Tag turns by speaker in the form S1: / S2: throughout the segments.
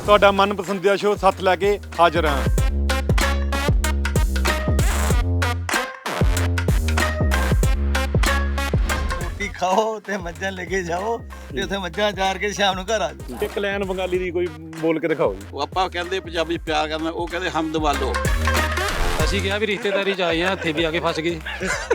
S1: ਤੁਹਾਡਾ ਮਨਪਸੰਦੀਦਾ ਸ਼ੋਅ ਸੱਤ ਲੈ ਕੇ ਹਾਜ਼ਰ ਹਾਂ।
S2: ਰੋਟੀ ਖਾਓ ਤੇ ਮੱਝਾਂ ਲੈ ਕੇ ਜਾਓ ਤੇ ਉੱਥੇ ਮੱਝਾਂ ਚਾਰ ਕੇ ਸ਼ਾਮ ਨੂੰ ਘਰ ਆ ਜਾਓ।
S1: ਇੱਕ ਲਾਈਨ ਬੰਗਾਲੀ ਦੀ ਕੋਈ ਬੋਲ ਕੇ ਦਿਖਾਓ ਜੀ।
S3: ਉਹ ਆਪਾਂ ਕਹਿੰਦੇ ਪੰਜਾਬੀ ਪਿਆਰ ਕਰਨਾ, ਉਹ ਕਹਿੰਦੇ ਹਮਦ ਵਾਲੋ।
S4: ਅਸੀਂ ਕਿਹਾ ਵੀ ਰਿਸ਼ਤੇਦਾਰੀ ਚ ਆਏ ਆ, ਇੱਥੇ ਵੀ ਆ ਕੇ ਫਸ ਗਏ।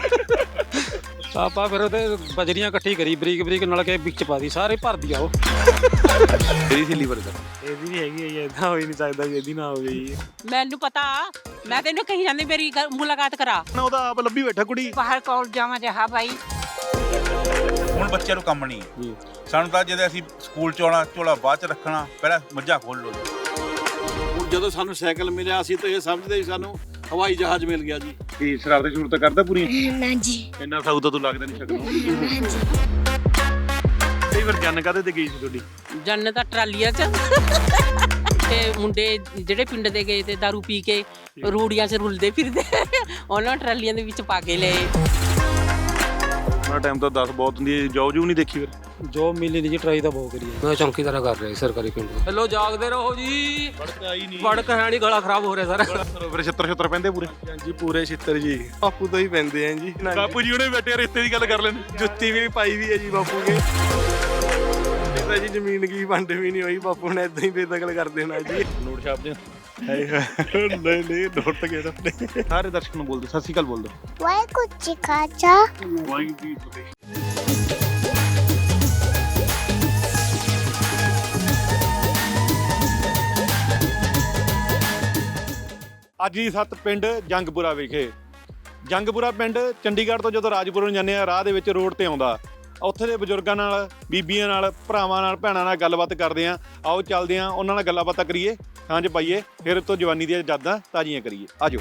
S4: ਆਪਾਂ ਫਿਰ ਉਹਦੇ ਬਜਰੀਆਂ ਇਕੱਠੀ ਕਰੀ ਬਰੀਕ ਬਰੀਕ ਨਾਲ ਕੇ ਵਿੱਚ ਪਾ ਦੀ, ਸਾਰੇ ਭਰ ਦੀ ਆਓ।
S1: ਤੇਰੀ ਸੀ ਲੀਵਰ ਦਾ
S4: ਇਹਦੀ ਵੀ ਹੈਗੀ ਹੈ, ਇਦਾਂ ਹੋ ਹੀ ਨਹੀਂ ਸਕਦਾ ਵੀ ਇਹਦੀ ਨਾ ਹੋਵੇ ਜੀ।
S5: ਮੈਨੂੰ ਪਤਾ, ਮੈਂ ਤੈਨੂੰ ਕਹੀ ਜਾਂਦੀ ਮੇਰੀ ਮੁਲਾਕਾਤ ਕਰਾ।
S1: ਉਹਦਾ ਆਪ ਲੱਭੀ ਬੈਠਾ ਕੁੜੀ।
S5: ਬਾਹਰ ਕੋਲ ਜਾਵਾਂ ਜਹਾ ਭਾਈ।
S6: ਹੁਣ ਬੱਚਿਆਂ ਨੂੰ ਕੰਮ ਨਹੀਂ ਜੀ। ਸਾਨੂੰ ਤਾਂ ਜਦੋਂ ਅਸੀਂ ਸਕੂਲ ਚ ਆਉਣਾ, ਝੋਲਾ ਬਾਅਦ ਚ ਰੱਖਣਾ, ਪਹਿਲਾਂ ਮੱਝਾਂ ਖੋਲ ਲਓ।
S3: ਹੁਣ ਜਦੋਂ ਸਾਨੂੰ ਸਾਈਕਲ ਮਿਲਿਆ, ਅਸੀਂ ਤਾਂ ਇਹ ਸਮਝਦੇ ਸੀ ਸਾਨੂੰ ਹਵਾਈ ਜਹਾਜ਼ ਮਿਲ ਗਿਆ ਜੀ।
S1: ਕੀ ਸ਼ਰਾਰਤ ਸ਼ੂਰਤ ਕਰਦਾ ਪੂਰੀ?
S7: ਨਾ ਜੀ।
S1: ਇੰਨਾ ਸਾਊ ਤਾਂ ਤੂੰ ਲੱਗਦਾ ਨਹੀਂ ਸ਼ਕਲੋਂ। ਕਈ ਵਾਰ ਜੰਨ ਕਾਹਦੇ ਤੇ ਗਈ ਸੀ ਤੁਹਾਡੀ?
S5: ਜੰਨ ਤਾਂ ਟਰਾਲੀਆਂ 'ਚ ਤੇ ਮੁੰਡੇ ਜਿਹੜੇ ਪਿੰਡ ਦੇ ਗਏ ਤੇ ਦਾਰੂ ਪੀ ਕੇ ਰੂੜੀਆਂ 'ਚ ਰੁਲਦੇ ਫਿਰਦੇ, ਉਹਨਾਂ ਟਰਾਲੀਆਂ ਦੇ ਵਿੱਚ ਪਾ ਕੇ ਲਏ।
S1: ਉਹਨਾਂ ਟਾਈਮ ਤਾਂ 10 ਬਹੁਤ ਹੁੰਦੀ ਹੈ। ਜੋਬ ਜੂ ਨਹੀਂ ਦੇਖੀ ਫਿਰ?
S4: ਜੋ ਮਿਲੀ ਨਹੀਂ ਜੀ, ਟਰਾਈ ਤਾਂ ਬਹੁਤ ਕਰੀ। ਮੈਂ ਚੌਂਕੀਦਾਰਾ ਕਰ ਰਿਹਾ ਸਰਕਾਰੀ ਪਿੰਡ। ਹੈਲੋ, ਜਾਗਦੇ ਰਹੋ ਜੀ।
S1: ਵੜਕ ਆਈ ਨਹੀਂ।
S4: ਵੜਕ ਹੈ ਨਹੀਂ, ਗਲਾ ਖਰਾਬ ਹੋ ਰਿਹਾ ਸਾਰਾ।
S1: ਫਿਰ ਛਿੱਤਰ ਪੈਂਦੇ ਪੂਰੇ?
S8: ਹਾਂਜੀ ਪੂਰੇ ਛਿੱਤਰ ਜੀ, ਬਾਪੂ ਤੋਂ ਹੀ ਪੈਂਦੇ ਆ ਜੀ।
S1: ਬਾਪੂ ਜੀ ਉਹਨੇ ਬੈਠੇ ਰਿਸ਼ਤੇ ਦੀ ਗੱਲ ਕਰ ਲੈਣ।
S8: ਜੁੱਤੀ ਵੀ ਪਾਈ ਵੀ ਹੈ ਜੀ ਬਾਪੂ ਕੇ। ਤਾਂ ਜੀ ਜ਼ਮੀਨ ਕੀ ਵੰਡ ਵੀ ਨਹੀਂ ਹੋਈ, ਬਾਪੂ ਨੇ ਇਦਾਂ ਹੀ ਬੇਦਖਲ ਕਰ ਦੇਣਾ ਜੀ।
S1: ਨੋਟ ਛਾਪ ਦੇ।
S8: ਨਹੀਂ ਨੋਟ ਕਿਹੜਾ।
S1: ਸਾਰੇ ਦਰਸ਼ਕ ਨੂੰ ਬੋਲ ਦਿਓ, ਸਤਿ ਸ਼੍ਰੀ ਅਕਾਲ ਬੋਲ ਦਿਓ।
S7: ਵਾਹਿਗੁਰੂ ਜੀ ਕਾ ਖਾਲਸਾ।
S1: ਵਾਹਿਗੁਰੂ ਜੀ ਕੀ ਫਤਿਹ। ਅੱਜ ਹੀ ਸੱਤ ਪਿੰਡ ਜੰਗਪੁਰਾ ਵਿਖੇ। ਜੰਗਪੁਰਾ ਪਿੰਡ ਚੰਡੀਗੜ੍ਹ ਤੋਂ ਜਦੋਂ ਰਾਜਪੁਰ ਨੂੰ ਜਾਂਦੇ ਆ, ਰਾਹ ਦੇ ਵਿੱਚ ਰੋਡ ਤੇ ਆਉਂਦਾ। ਉੱਥੇ ਦੇ ਬਜ਼ੁਰਗਾਂ ਨਾਲ, ਬੀਬੀਆਂ ਨਾਲ, ਭਰਾਵਾਂ ਨਾਲ, ਭੈਣਾਂ ਨਾਲ ਗੱਲਬਾਤ ਕਰਦੇ ਆ। ਆਓ ਚੱਲਦੇ ਆ, ਉਹਨਾਂ ਨਾਲ ਗੱਲਾਂ ਬਾਤਾਂ ਕਰੀਏ, ਸਾਂਝ ਪਾਈਏ, ਫਿਰ ਉਤੋਂ ਜਵਾਨੀ ਦੀਆਂ ਯਾਦਾਂ ਤਾਜ਼ੀਆਂ ਕਰੀਏ। ਆਜੋ।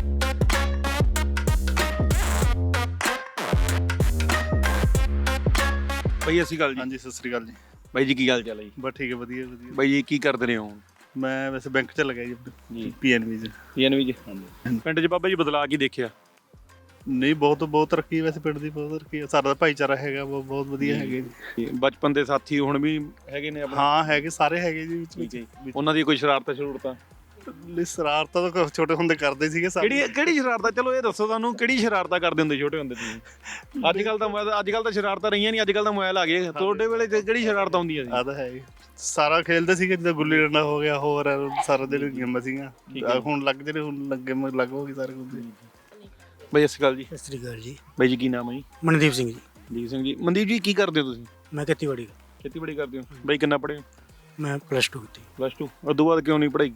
S1: ਬਾਈ ਅਸੀਂ ਗੱਲ ਜੀ।
S8: ਹਾਂਜੀ ਸਤਿ ਸ੍ਰੀ ਅਕਾਲ ਜੀ।
S1: ਬਾਈ ਜੀ ਕੀ ਹਾਲ ਚਾਲ ਹੈ ਜੀ?
S8: ਬਸ ਠੀਕ ਹੈ, ਵਧੀਆ ਵਧੀਆ।
S1: ਬਾਈ ਜੀ ਕੀ ਕਰਦੇ ਰਹੇ ਹੋ?
S8: ਮੈਂ ਵੈਸੇ ਬੈਂਕ 'ਚ ਲੱਗਿਆ
S1: ਜੀ।
S8: ਜੀ, PNB 'ਚ।
S1: PNB ਜੀ। ਪਿੰਡ 'ਚ ਬਾਬਾ ਜੀ ਬਦਲਾਅ ਕੀ ਦੇਖਿਆ?
S8: ਨਹੀਂ ਬਹੁਤ ਤਰੱਕੀ, ਵੈਸੇ ਪਿੰਡ ਦੀ ਬਹੁਤ ਤਰੱਕੀ ਹੈ। ਸਾਡਾ ਭਾਈਚਾਰਾ ਹੈਗਾ, ਬਹੁਤ ਵਧੀਆ ਹੈਗੇ ਜੀ।
S1: ਬਚਪਨ ਦੇ ਸਾਥੀ ਹੁਣ ਵੀ ਹੈਗੇ ਨੇ ਆਪਣੇ?
S8: ਹਾਂ ਹੈਗੇ, ਸਾਰੇ ਹੈਗੇ ਜੀ ਵਿੱਚ ਵਿੱਚ।
S1: ਉਹਨਾਂ ਦੀ ਕੋਈ ਸ਼ਰਾਰਤਾਂ ਸ਼ਰੂਰਤਾਂ?
S8: ਸ਼ਰਾਰਤਾਂ ਤਾਂ ਛੋਟੇ ਹੁੰਦੇ ਕਰਦੇ ਸੀਗੇ ਸਾਰੇ।
S1: ਕਿਹੜੀ ਸ਼ਰਾਰਤਾਂ? ਚਲੋ ਇਹ ਦੱਸੋ ਤੁਹਾਨੂੰ, ਕਿਹੜੀ ਸ਼ਰਾਰਤਾਂ ਕਰਦੇ ਹੁੰਦੇ ਛੋਟੇ ਹੁੰਦੇ ਤੁਸੀਂ? ਅੱਜ ਕੱਲ ਤਾਂ ਸ਼ਰਾਰਤਾਂ ਰਹੀਆਂ ਨਹੀਂ, ਅੱਜ ਕੱਲ ਤਾਂ ਮੋਬਾਈਲ ਆ ਗਏ। ਤੁਹਾਡੇ ਵੇਲੇ ਕਿਹੜੀ ਸ਼ਰਾਰਤਾਂ ਹੁੰਦੀਆਂ ਸੀ?
S8: ਆ ਤਾਂ ਹੈ ਸਾਰਾ ਖੇਲਦੇ ਸੀਗੇ, ਜਿੱਦਾਂ ਗੁੱਲੀ ਡੰਡਾ ਹੋ ਗਿਆ, ਹੋਰ ਸਾਰਾ ਦਿਨ ਗੇਮਾਂ ਸੀਗੀਆਂ। ਹੁਣ ਲੱਗ ਜਿਹੜੇ ਹੁਣ ਲੱਗੇ ਲੱਗ ਹੋ ਗਏ ਸਾਰੇ ਕੁਝ।
S1: ਬਾਈ ਸਤਿ ਸ਼੍ਰੀ ਅਕਾਲ ਜੀ।
S9: ਸਤਿ ਸ੍ਰੀ ਅਕਾਲ ਜੀ।
S1: ਬਾਈ ਜੀ ਕੀ ਨਾਮ ਹੈ ਜੀ?
S9: ਮਨਦੀਪ ਸਿੰਘ ਜੀ।
S1: ਮਨਦੀਪ ਸਿੰਘ ਜੀ। ਮਨਦੀਪ ਜੀ ਕੀ ਕਰਦੇ ਹੋ ਤੁਸੀਂ?
S9: ਮੈਂ ਖੇਤੀਬਾੜੀ।
S1: ਖੇਤੀਬਾੜੀ ਕਰਦੇ ਹੋ। ਬਾਈ ਕਿੰਨਾ ਪੜ੍ਹੇ ਹੋ?
S9: ਮੈਂ +2 ਕੀਤੀ।
S1: +2? ਉਸ ਤੋਂ ਬਾਅਦ ਕਿਉਂ ਨਹੀਂ ਪੜ੍ਹਾਈ?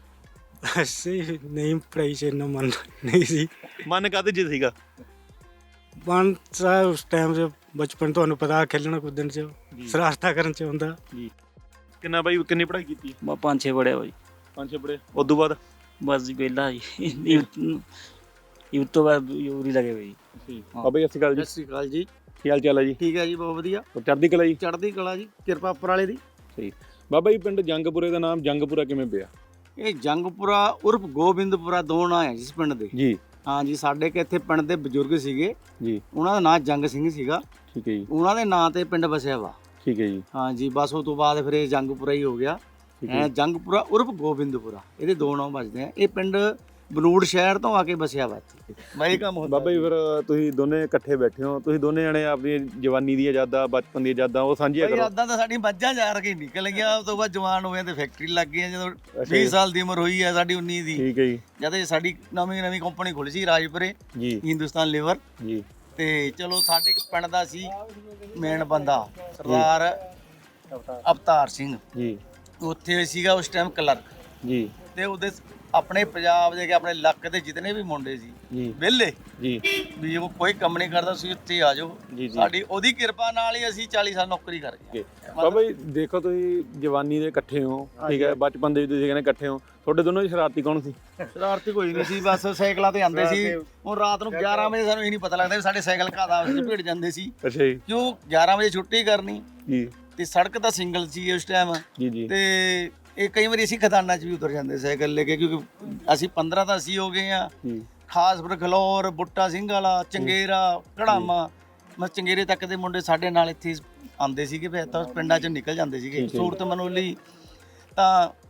S9: ਅਸੀਂ ਨਹੀਂ ਪੜ੍ਹਾਈ 'ਚ ਇੰਨਾ ਮਨ ਨਹੀਂ ਸੀ।
S1: ਮਨ ਕਾਹਦੇ 'ਚ ਸੀਗਾ?
S9: ਮਨ ਤਾਂ ਉਸ ਟਾਈਮ 'ਚ ਬਚਪਨ ਤੁਹਾਨੂੰ ਪਤਾ, ਖੇਲਣਾ ਕੁੱਦਣ 'ਚ, ਸ਼ਰਾਰਤਾਂ ਕਰਨ 'ਚ ਹੁੰਦਾ।
S1: ਜੀ। ਕਿੰਨਾ ਬਾਈ, ਕਿੰਨੀ ਪੜ੍ਹਾਈ ਕੀਤੀ?
S10: ਮੈਂ 5-6 ਪੜ੍ਹਿਆ ਬਾਈ।
S1: 5-6 ਪੜ੍ਹੇ। ਉਸ ਤੋਂ ਬਾਅਦ
S10: ਬਸ ਜੀ ਵਿਹਲਾ ਜੀ। ਯੂਥ ਤੋਂ ਬਾਅਦ ਯੂਰੀ ਲੱਗੇ ਬਾਈ।
S1: ਬਾਬਾ ਜੀ ਸਤਿ ਸ਼੍ਰੀ ਅਕਾਲ ਜੀ।
S2: ਸਤਿ ਸ੍ਰੀ ਅਕਾਲ ਜੀ।
S1: ਕੀ ਹਾਲ ਚਾਲ ਹੈ ਜੀ?
S2: ਠੀਕ ਹੈ ਜੀ, ਬਹੁਤ ਵਧੀਆ।
S1: ਚੜ੍ਹਦੀ ਕਲਾ ਜੀ।
S2: ਚੜ੍ਹਦੀ ਕਲਾ ਜੀ, ਕਿਰਪਾ ਉੱਪਰ ਵਾਲੇ ਦੀ।
S1: ਸਹੀ। ਬਾਬਾ ਜੀ ਪਿੰਡ ਜੰਗਪੁਰੇ ਦਾ ਨਾਮ ਜੰਗਪੁਰਾ ਕਿਵੇਂ ਪਿਆ?
S2: ਇਹ ਜੰਗਪੁਰਾ ਉਰਫ ਗੋਬਿੰਦਪੁਰਾ ਦੋ ਨਾਂ ਹੈ ਜਿਸ ਪਿੰਡ ਦੇ।
S1: ਜੀ।
S2: ਹਾਂ ਜੀ, ਸਾਡੇ ਕਿ ਇੱਥੇ ਪਿੰਡ ਦੇ ਬਜ਼ੁਰਗ ਸੀਗੇ
S1: ਜੀ।
S2: ਉਹਨਾਂ ਦਾ ਨਾਂ ਜੰਗ ਸਿੰਘ ਸੀਗਾ।
S1: ਠੀਕ ਹੈ ਜੀ।
S2: ਉਹਨਾਂ ਦੇ ਨਾਂ ਤੇ ਪਿੰਡ ਵਸਿਆ ਵਾ।
S1: ਠੀਕ ਹੈ ਜੀ।
S2: ਹਾਂ ਜੀ, ਬਸ ਉਸ ਤੋਂ ਬਾਅਦ ਫਿਰ ਇਹ ਜੰਗਪੁਰਾ ਹੀ ਹੋ ਗਿਆ। ਜੰਗਪੁਰਾ ਉਰਫ ਗੋਬਿੰਦਪੁਰਾ, ਇਹਦੇ ਦੋ ਨਾਂ ਵੱਜਦੇ ਆ। ਇਹ ਪਿੰਡ ਬਨੂੜ ਸ਼ਹਿਰ ਤੋਂ ਆ ਕੇ ਵਸਿਆ ਵਾ ਇੱਥੇ। ਮੈਂ ਇਹ ਕੰਮ ਹੁੰਦਾ।
S1: ਬਾਬਾ ਜੀ ਫਿਰ ਤੁਸੀਂ ਦੋਨੇ ਇਕੱਠੇ ਬੈਠੇ ਹੋ, ਤੁਸੀਂ ਦੋਨੇ ਜਣੇ ਆਪਣੀ ਜਵਾਨੀ ਦੀਆਂ ਯਾਦਾਂ, ਬਚਪਨ ਦੀਆਂ ਯਾਦਾਂ ਉਹ ਸਾਂਝੀਆਂ ਕਰੋ।
S2: ਯਾਦਾਂ ਤਾਂ ਸਾਡੀ ਮੱਝਾਂ ਜਾ ਕੇ ਨਿਕਲ ਗਿਆ। ਉਸ ਤੋਂ ਬਾਅਦ ਜਵਾਨ ਹੋਏ ਤੇ ਫੈਕਟਰੀ ਲੱਗ ਗਈ। ਜਦੋਂ 20 ਸਾਲ ਦੀ ਉਮਰ ਹੋਈ ਹੈ ਸਾਡੀ, 19 ਦੀ।
S1: ਠੀਕ ਹੈ ਜੀ।
S2: ਜਦ ਸਾਡੀ ਨਵੀਂ ਕੰਪਨੀ ਖੁੱਲ੍ਹੀ ਸੀ ਰਾਜਪੁਰੇ
S1: ਜੀ,
S2: ਹਿੰਦੁਸਤਾਨ ਲੀਵਰ
S1: ਜੀ।
S2: ਤੇ ਚਲੋ ਸਾਡੇ ਇੱਕ ਪਿੰਡ ਦਾ ਸੀ ਮੇਨ ਬੰਦਾ, ਸਰਦਾਰ ਅਵਤਾਰ ਸਿੰਘ
S1: ਜੀ।
S2: ਉੱਥੇ ਸੀਗਾ ਉਸ ਟਾਈਮ ਕਲਰਕ
S1: ਜੀ।
S2: ਤੇ ਉਹਦੇ ਆਪਣੇ ਪੰਜਾਬ ਦੇ ਆਪਣੇ ਇਲਾਕੇ ਦੇ ਜਿਤਨੇ ਵੀ ਮੁੰਡੇ ਸੀ
S1: ਜੀ,
S2: ਵਿਹਲੇ
S1: ਜੀ,
S2: ਵੀ ਉਹ ਕੋਈ ਕੰਮ ਨਹੀਂ ਕਰਦਾ ਸੀ, ਉੱਥੇ ਆ ਜਾਓ। ਸਾਡੀ ਉਹਦੀ ਕਿਰਪਾ ਨਾਲ ਹੀ ਅਸੀਂ 40 ਸਾਲ ਨੌਕਰੀ ਕਰ ਗਏ।
S1: ਬਾਬਾ ਜੀ ਦੇਖੋ ਤੁਸੀਂ ਜਵਾਨੀ ਦੇ ਇਕੱਠੇ ਹੋ, ਠੀਕ ਹੈ, ਬਚਪਨ ਦੇ ਵੀ ਤੁਸੀਂ ਕਹਿੰਦੇ ਇਕੱਠੇ ਹੋ। ਤੁਹਾਡੇ ਦੋਨੋਂ ਦੀ ਸ਼ਰਾਰਤੀ ਕੌਣ ਸੀ?
S2: ਸ਼ਰਾਰਤੀ ਕੋਈ ਨਹੀਂ ਸੀ, ਬਸ ਸਾਈਕਲਾਂ ਤੇ ਆਉਂਦੇ ਸੀ। ਹੁਣ ਰਾਤ ਨੂੰ 11 ਵਜੇ ਸਾਨੂੰ ਇਹ ਨਹੀਂ ਪਤਾ ਲੱਗਦਾ ਵੀ ਸਾਡੇ ਸਾਈਕਲ ਘਾਹ ਆਪਸ ਵਿੱਚ ਭਿੜ ਜਾਂਦੇ ਸੀ।
S1: ਅੱਛਾ ਜੀ।
S2: ਕਿਉਂ 11 ਵਜੇ ਛੁੱਟੀ ਕਰਨੀ
S1: ਜੀ।
S2: ਤੇ ਸੜਕ ਤਾਂ ਸਿੰਗਲ ਸੀ ਉਸ ਟਾਈਮ।
S1: ਜੀ, ਜੀ।
S2: ਤੇ ਇਹ ਕਈ ਵਾਰੀ ਅਸੀਂ ਖਦਾਨਾਂ 'ਚ ਵੀ ਉਤਰ ਜਾਂਦੇ ਸਾਈਕਲ ਲੈ ਕੇ, ਕਿਉਂਕਿ ਅਸੀਂ 15 ਤਾਂ ਅਸੀਂ ਹੋ ਗਏ ਆ। ਖਾਸਪੁਰ, ਖਲੌਰ, ਬੁੱਟਾ ਸਿੰਘ ਵਾਲਾ, ਚੰਗੇਰਾ, ਘੜਾਮਾ, ਮਸ ਚੰਗੇਰੇ ਤੱਕ ਦੇ ਮੁੰਡੇ ਸਾਡੇ ਨਾਲ ਇੱਥੇ ਆਉਂਦੇ ਸੀਗੇ। ਫਿਰ ਤਾਂ ਪਿੰਡਾਂ 'ਚ ਨਿਕਲ ਜਾਂਦੇ ਸੀਗੇ। ਸੂਰਤ ਮਨੋਲੀ ਤਾਂ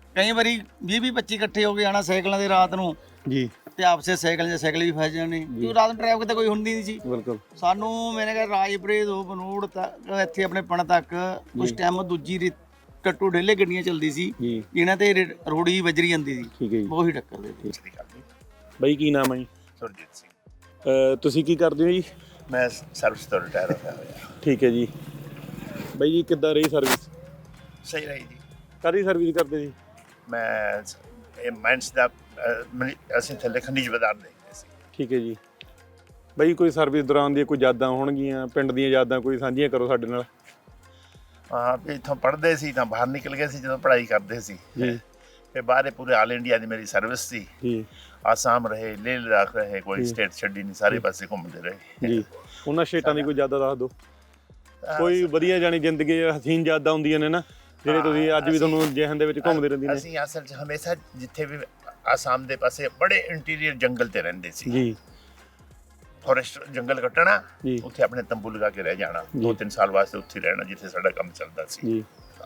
S2: ਕਈ ਵਾਰੀ 20-25 ਇਕੱਠੇ ਹੋ ਕੇ ਆਣਾ ਸਾਈਕਲਾਂ ਦੇ ਰਾਤ ਨੂੰ
S1: ਜੀ
S2: ਤੇ ਆਪਸੇ ਸਾਈਕਲ ਵੀ ਫਸ ਜਾਣੇ ਕਿਉਂ ਰਾਤ ਨੂੰ ਟ੍ਰੈਫਿਕ ਤਾਂ ਕੋਈ ਹੁੰਦੀ ਨਹੀਂ ਸੀ।
S1: ਬਿਲਕੁਲ
S2: ਸਾਨੂੰ ਮੈਨੇ ਕਿਹਾ ਰਾਜਪੁਰੇ ਤੋਂ ਬਨੂੜ ਤੱਕ ਇੱਥੇ ਆਪਣੇ ਪਣ ਤੱਕ ਉਸ ਟਾਈਮ ਦੂਜੀ ਟੱਟੂ ਢੇਲੇ ਗੱਡੀਆਂ ਚੱਲਦੀ ਸੀ
S1: ਜੀ
S2: ਇਹਨਾਂ ਤੇ ਰੋੜੀ ਵੱਜਰੀ ਜਾਂਦੀ ਸੀ,
S1: ਠੀਕ ਹੈ ਜੀ।
S2: ਉਹੀ ਟੱਕਰ ਦੇ
S1: ਬਾਈ ਕੀ ਨਾਮ ਹੈ ਜੀ?
S8: ਸੁਰਜੀਤ ਸਿੰਘ।
S1: ਤੁਸੀਂ ਕੀ ਕਰਦੇ ਹੋ ਜੀ?
S8: ਮੈਂ ਸਰਵਿਸ ਤੋਂ ਰਿਟਾਇਰ ਹੋਇਆ।
S1: ਠੀਕ ਹੈ ਜੀ। ਬਾਈ ਜੀ ਕਿੱਦਾਂ ਰਹੀ ਸਰਵਿਸ?
S8: ਸਹੀ ਰਹੀ ਜੀ।
S1: ਕਾਹਦੀ ਸਰਵਿਸ ਕਰਦੇ ਜੀ?
S8: ਮੈਂ ਇਹ ਮਾਈਨਸ ਦਾ ਅਸੀਂ ਥੱਲੇ ਖਣਿਜ ਬਾਜ਼ਾਰ ਦੇਖਦੇ ਸੀ।
S1: ਠੀਕ ਹੈ ਜੀ। ਬਾਈ ਕੋਈ ਸਰਵਿਸ ਦੌਰਾਨ ਦੀਆਂ ਕੋਈ ਯਾਦਾਂ ਹੋਣਗੀਆਂ ਪਿੰਡ ਦੀਆਂ ਯਾਦਾਂ ਕੋਈ ਸਾਂਝੀਆਂ ਕਰੋ ਸਾਡੇ ਨਾਲ।
S8: ਹਾਂ ਵੀ ਇੱਥੋਂ ਪੜ੍ਹਦੇ ਸੀ ਤਾਂ ਬਾਹਰ ਨਿਕਲ ਗਏ ਸੀ ਜਦੋਂ ਪੜ੍ਹਾਈ ਕਰਦੇ ਸੀ
S1: ਜੀ।
S8: ਫਿਰ ਬਾਹਰ ਪੂਰੇ ਆਲ ਇੰਡੀਆ ਦੀ ਮੇਰੀ ਸਰਵਿਸ ਸੀ
S1: ਜੀ
S8: ਆਸਾਮ ਰਹੇ ਲੇਹ ਲਦਾਖ ਰਹੇ ਕੋਈ ਸਟੇਟ ਛੱਡੀ ਨਹੀਂ ਸਾਰੇ ਪਾਸੇ ਘੁੰਮਦੇ ਰਹੇ
S1: ਜੀ। ਉਹਨਾਂ ਸਟੇਟਾਂ ਦੀ ਕੋਈ ਯਾਦਾਂ ਦੱਸ ਦਿਓ ਕੋਈ ਵਧੀਆ ਜਾਣੀ ਜ਼ਿੰਦਗੀ ਹਸੀਨ ਯਾਦਾਂ ਹੁੰਦੀਆਂ ਨੇ ਨਾ ਜਿਹੜੇ ਤੁਸੀਂ ਅੱਜ ਵੀ ਤੁਹਾਨੂੰ ਜਿਹਨ ਦੇ ਵਿੱਚ ਘੁੰਮਦੇ ਰਹਿੰਦੀਆਂ ਨੇ।
S8: ਅਸੀਂ ਅਸਲ 'ਚ ਹਮੇਸ਼ਾ ਜਿੱਥੇ ਵੀ ਆਸਾਮ ਦੇ ਪਾਸੇ ਬੜੇ ਇੰਟੀਰੀਅਰ ਜੰਗਲ ਤੇ ਰਹਿੰਦੇ ਸੀ
S1: ਜੀ।
S8: ਫੋਰੈਸਟ ਜੰਗਲ ਕੱਟਣਾ
S1: ਜੀ।
S8: ਉੱਥੇ ਆਪਣੇ ਤੰਬੂ ਲਗਾ ਕੇ ਰਹਿ ਜਾਣਾ 2-3 ਸਾਲ ਵਾਸਤੇ ਉੱਥੇ ਰਹਿਣਾ ਜਿੱਥੇ ਸਾਡਾ ਕੰਮ ਚੱਲਦਾ ਸੀ
S1: ਜੀ।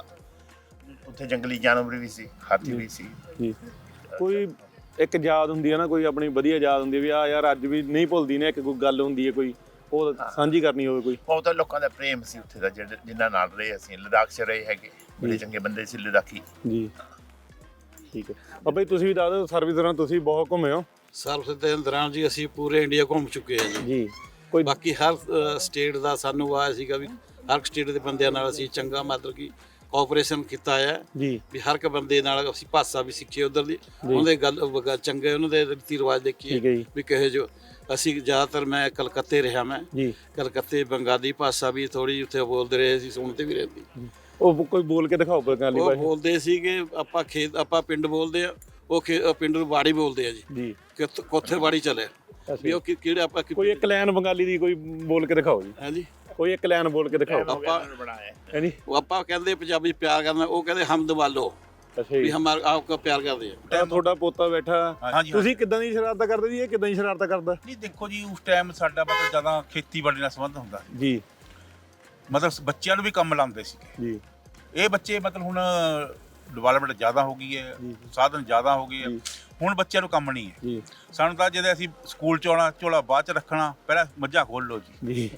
S8: ਉੱਥੇ ਜੰਗਲੀ ਜਾਨਵਰ ਵੀ ਸੀ ਹਾਥੀ ਵੀ ਸੀ
S1: ਜੀ। ਕੋਈ ਇੱਕ ਯਾਦ ਹੁੰਦੀ ਹੈ ਨਾ ਕੋਈ ਆਪਣੀ ਵਧੀਆ ਯਾਦ ਹੁੰਦੀ ਵੀ ਆ ਯਾਰ ਅੱਜ ਵੀ ਨਹੀਂ ਭੁੱਲਦੀ ਨੇ ਇੱਕ ਕੋਈ ਗੱਲ ਹੁੰਦੀ ਹੈ ਕੋਈ ਉਹ ਸਾਂਝੀ ਕਰਨੀ ਹੋਵੇ ਕੋਈ।
S8: ਬਹੁਤ ਲੋਕਾਂ ਦਾ ਪ੍ਰੇਮ ਸੀ ਉੱਥੇ ਦਾ ਜਿਨ੍ਹਾਂ ਨਾਲ ਰਹੇ ਅਸੀਂ ਲਦਾਖ 'ਚ ਰਹੇ ਹੈਗੇ ਬੜੇ ਚੰਗੇ ਬੰਦੇ ਸੀ ਲਦਾਖੀ
S1: ਜੀ। ਠੀਕ ਹੈ ਬਾਬਾ ਜੀ ਤੁਸੀਂ ਵੀ ਦੱਸ ਦਿਓ ਸਰਵਿਸ ਦੌਰਾਨ ਤੁਸੀਂ ਬਹੁਤ ਘੁੰਮੇ ਹੋ।
S3: ਸਰਵਿਸ ਦੇ ਦੌਰਾਨ ਜੀ ਅਸੀਂ ਪੂਰੇ ਇੰਡੀਆ ਘੁੰਮ ਚੁੱਕੇ ਹਾਂ ਜੀ।
S1: ਜੀ। ਕੋਈ
S3: ਬਾਕੀ ਹਰ ਸਟੇਟ ਦਾ ਸਾਨੂੰ ਆਇਆ ਸੀਗਾ ਵੀ ਹਰ ਸਟੇਟ ਦੇ ਬੰਦਿਆਂ ਨਾਲ ਅਸੀਂ ਚੰਗਾ ਮਤਲਬ ਕਿ ਕੋਆਪਰੇਸ਼ਨ ਕੀਤਾ ਹੈ
S1: ਜੀ।
S3: ਵੀ ਹਰ ਇੱਕ ਬੰਦੇ ਨਾਲ ਅਸੀਂ ਭਾਸ਼ਾ ਵੀ ਸਿੱਖੀ ਉਧਰ ਦੀ ਉਹਦੇ ਗੱਲ ਚੰਗੇ ਉਹਨਾਂ ਦੇ ਰੀਤੀ ਰਿਵਾਜ ਦੇਖੀਏ ਵੀ ਕਹੇ ਜੋ ਅਸੀਂ ਜ਼ਿਆਦਾਤਰ ਮੈਂ ਕਲਕੱਤੇ ਰਿਹਾ ਮੈਂ
S1: ਜੀ।
S3: ਕਲਕੱਤੇ ਬੰਗਾਲੀ ਭਾਸ਼ਾ ਵੀ ਥੋੜੀ ਉੱਥੇ ਬੋਲਦੇ ਰਹੇ ਸੀ ਸੁਣਦੇ ਵੀ ਰਹਿੰਦੀ
S1: ਉਹ ਕੋਈ ਬੋਲ ਕੇ ਦਿਖਾਓ ਬੰਗਾਲੀ
S3: ਉਹ
S1: ਭਾਸ਼ਾ।
S3: ਬੋਲਦੇ ਸੀਗੇ ਆਪਾਂ ਪਿੰਡ ਬੋਲਦੇ ਆ ਉਹ ਪਿੰਡ ਨੂੰ ਬਾੜੀ ਬੋਲਦੇ ਆ ਜੀ
S1: ਜੀ।
S3: ਕੋਥੇ ਬਾੜੀ ਚਲੇ ਵੀ ਉਹ ਕਿਹੜੇ ਆਪਾਂ
S1: ਕੋਈ ਇੱਕ ਲਾਈਨ ਬੰਗਾਲੀ ਦੀ ਕੋਈ ਬੋਲ ਕੇ ਦਿਖਾਓ ਜੀ।
S3: ਹਾਂਜੀ
S1: ਕੋਈ ਇੱਕ ਲਾਈਨ ਬੋਲ ਕੇ ਦਿਖਾਓ
S3: ਆਪਾਂ
S1: ਹਾਂਜੀ।
S3: ਉਹ ਆਪਾਂ ਕਹਿੰਦੇ ਪੰਜਾਬੀ ਪਿਆਰ ਕਰਨਾ ਉਹ ਕਹਿੰਦੇ ਹਮਦ ਵਾਲੋ
S1: ਅੱਛਾ
S3: ਵੀ
S1: ਜੀ।
S3: ਹਮਾਰ ਆਪਕੋ ਪਿਆਰ ਕਰਦੇ ਆ।
S1: ਤੁਹਾਡਾ ਪੋਤਾ ਬੈਠਾ
S6: ਹਾਂਜੀ।
S1: ਤੁਸੀਂ ਕਿੱਦਾਂ ਦੀ ਸ਼ਰਾਰਤਾਂ ਕਰਦੇ ਜੀ ਇਹ ਕਿੱਦਾਂ ਦੀ ਸ਼ਰਾਰਤਾਂ ਕਰਦਾ?
S6: ਨਹੀਂ ਦੇਖੋ ਜੀ ਉਸ ਟਾਈਮ ਸਾਡਾ ਮਤਲਬ ਜ਼ਿਆਦਾ ਖੇਤੀਬਾੜੀ ਨਾਲ ਸੰਬੰਧ ਹੁੰਦਾ ਸੀ।
S1: ਜੀ।
S6: ਮਤਲਬ ਬੱਚਿਆਂ ਨੂੰ ਵੀ ਕੰਮ ਲਾਉਂਦੇ ਸੀਗੇ।
S1: ਜੀ।
S6: ਇਹ ਬੱਚੇ ਮਤਲਬ ਹੁਣ ਡਿਵੈਲਪਮੈਂਟ ਜ਼ਿਆਦਾ ਹੋ ਗਈ ਹੈ ਸਾਧਨ ਜ਼ਿਆਦਾ ਹੋ ਗਏ ਆ ਹੁਣ ਬੱਚਿਆਂ ਨੂੰ ਕੰਮ ਨਹੀਂ ਹੈ
S1: ਜੀ।
S6: ਸਾਨੂੰ ਤਾਂ ਜਦੋਂ ਅਸੀਂ ਸਕੂਲ ਚ ਆਉਣਾ ਝੋਲਾ ਬਾਅਦ ਚ ਰੱਖਣਾ ਪਹਿਲਾਂ ਮੱਝਾਂ ਖੋਲ ਲਓ ਜੀ।
S1: ਜੀ।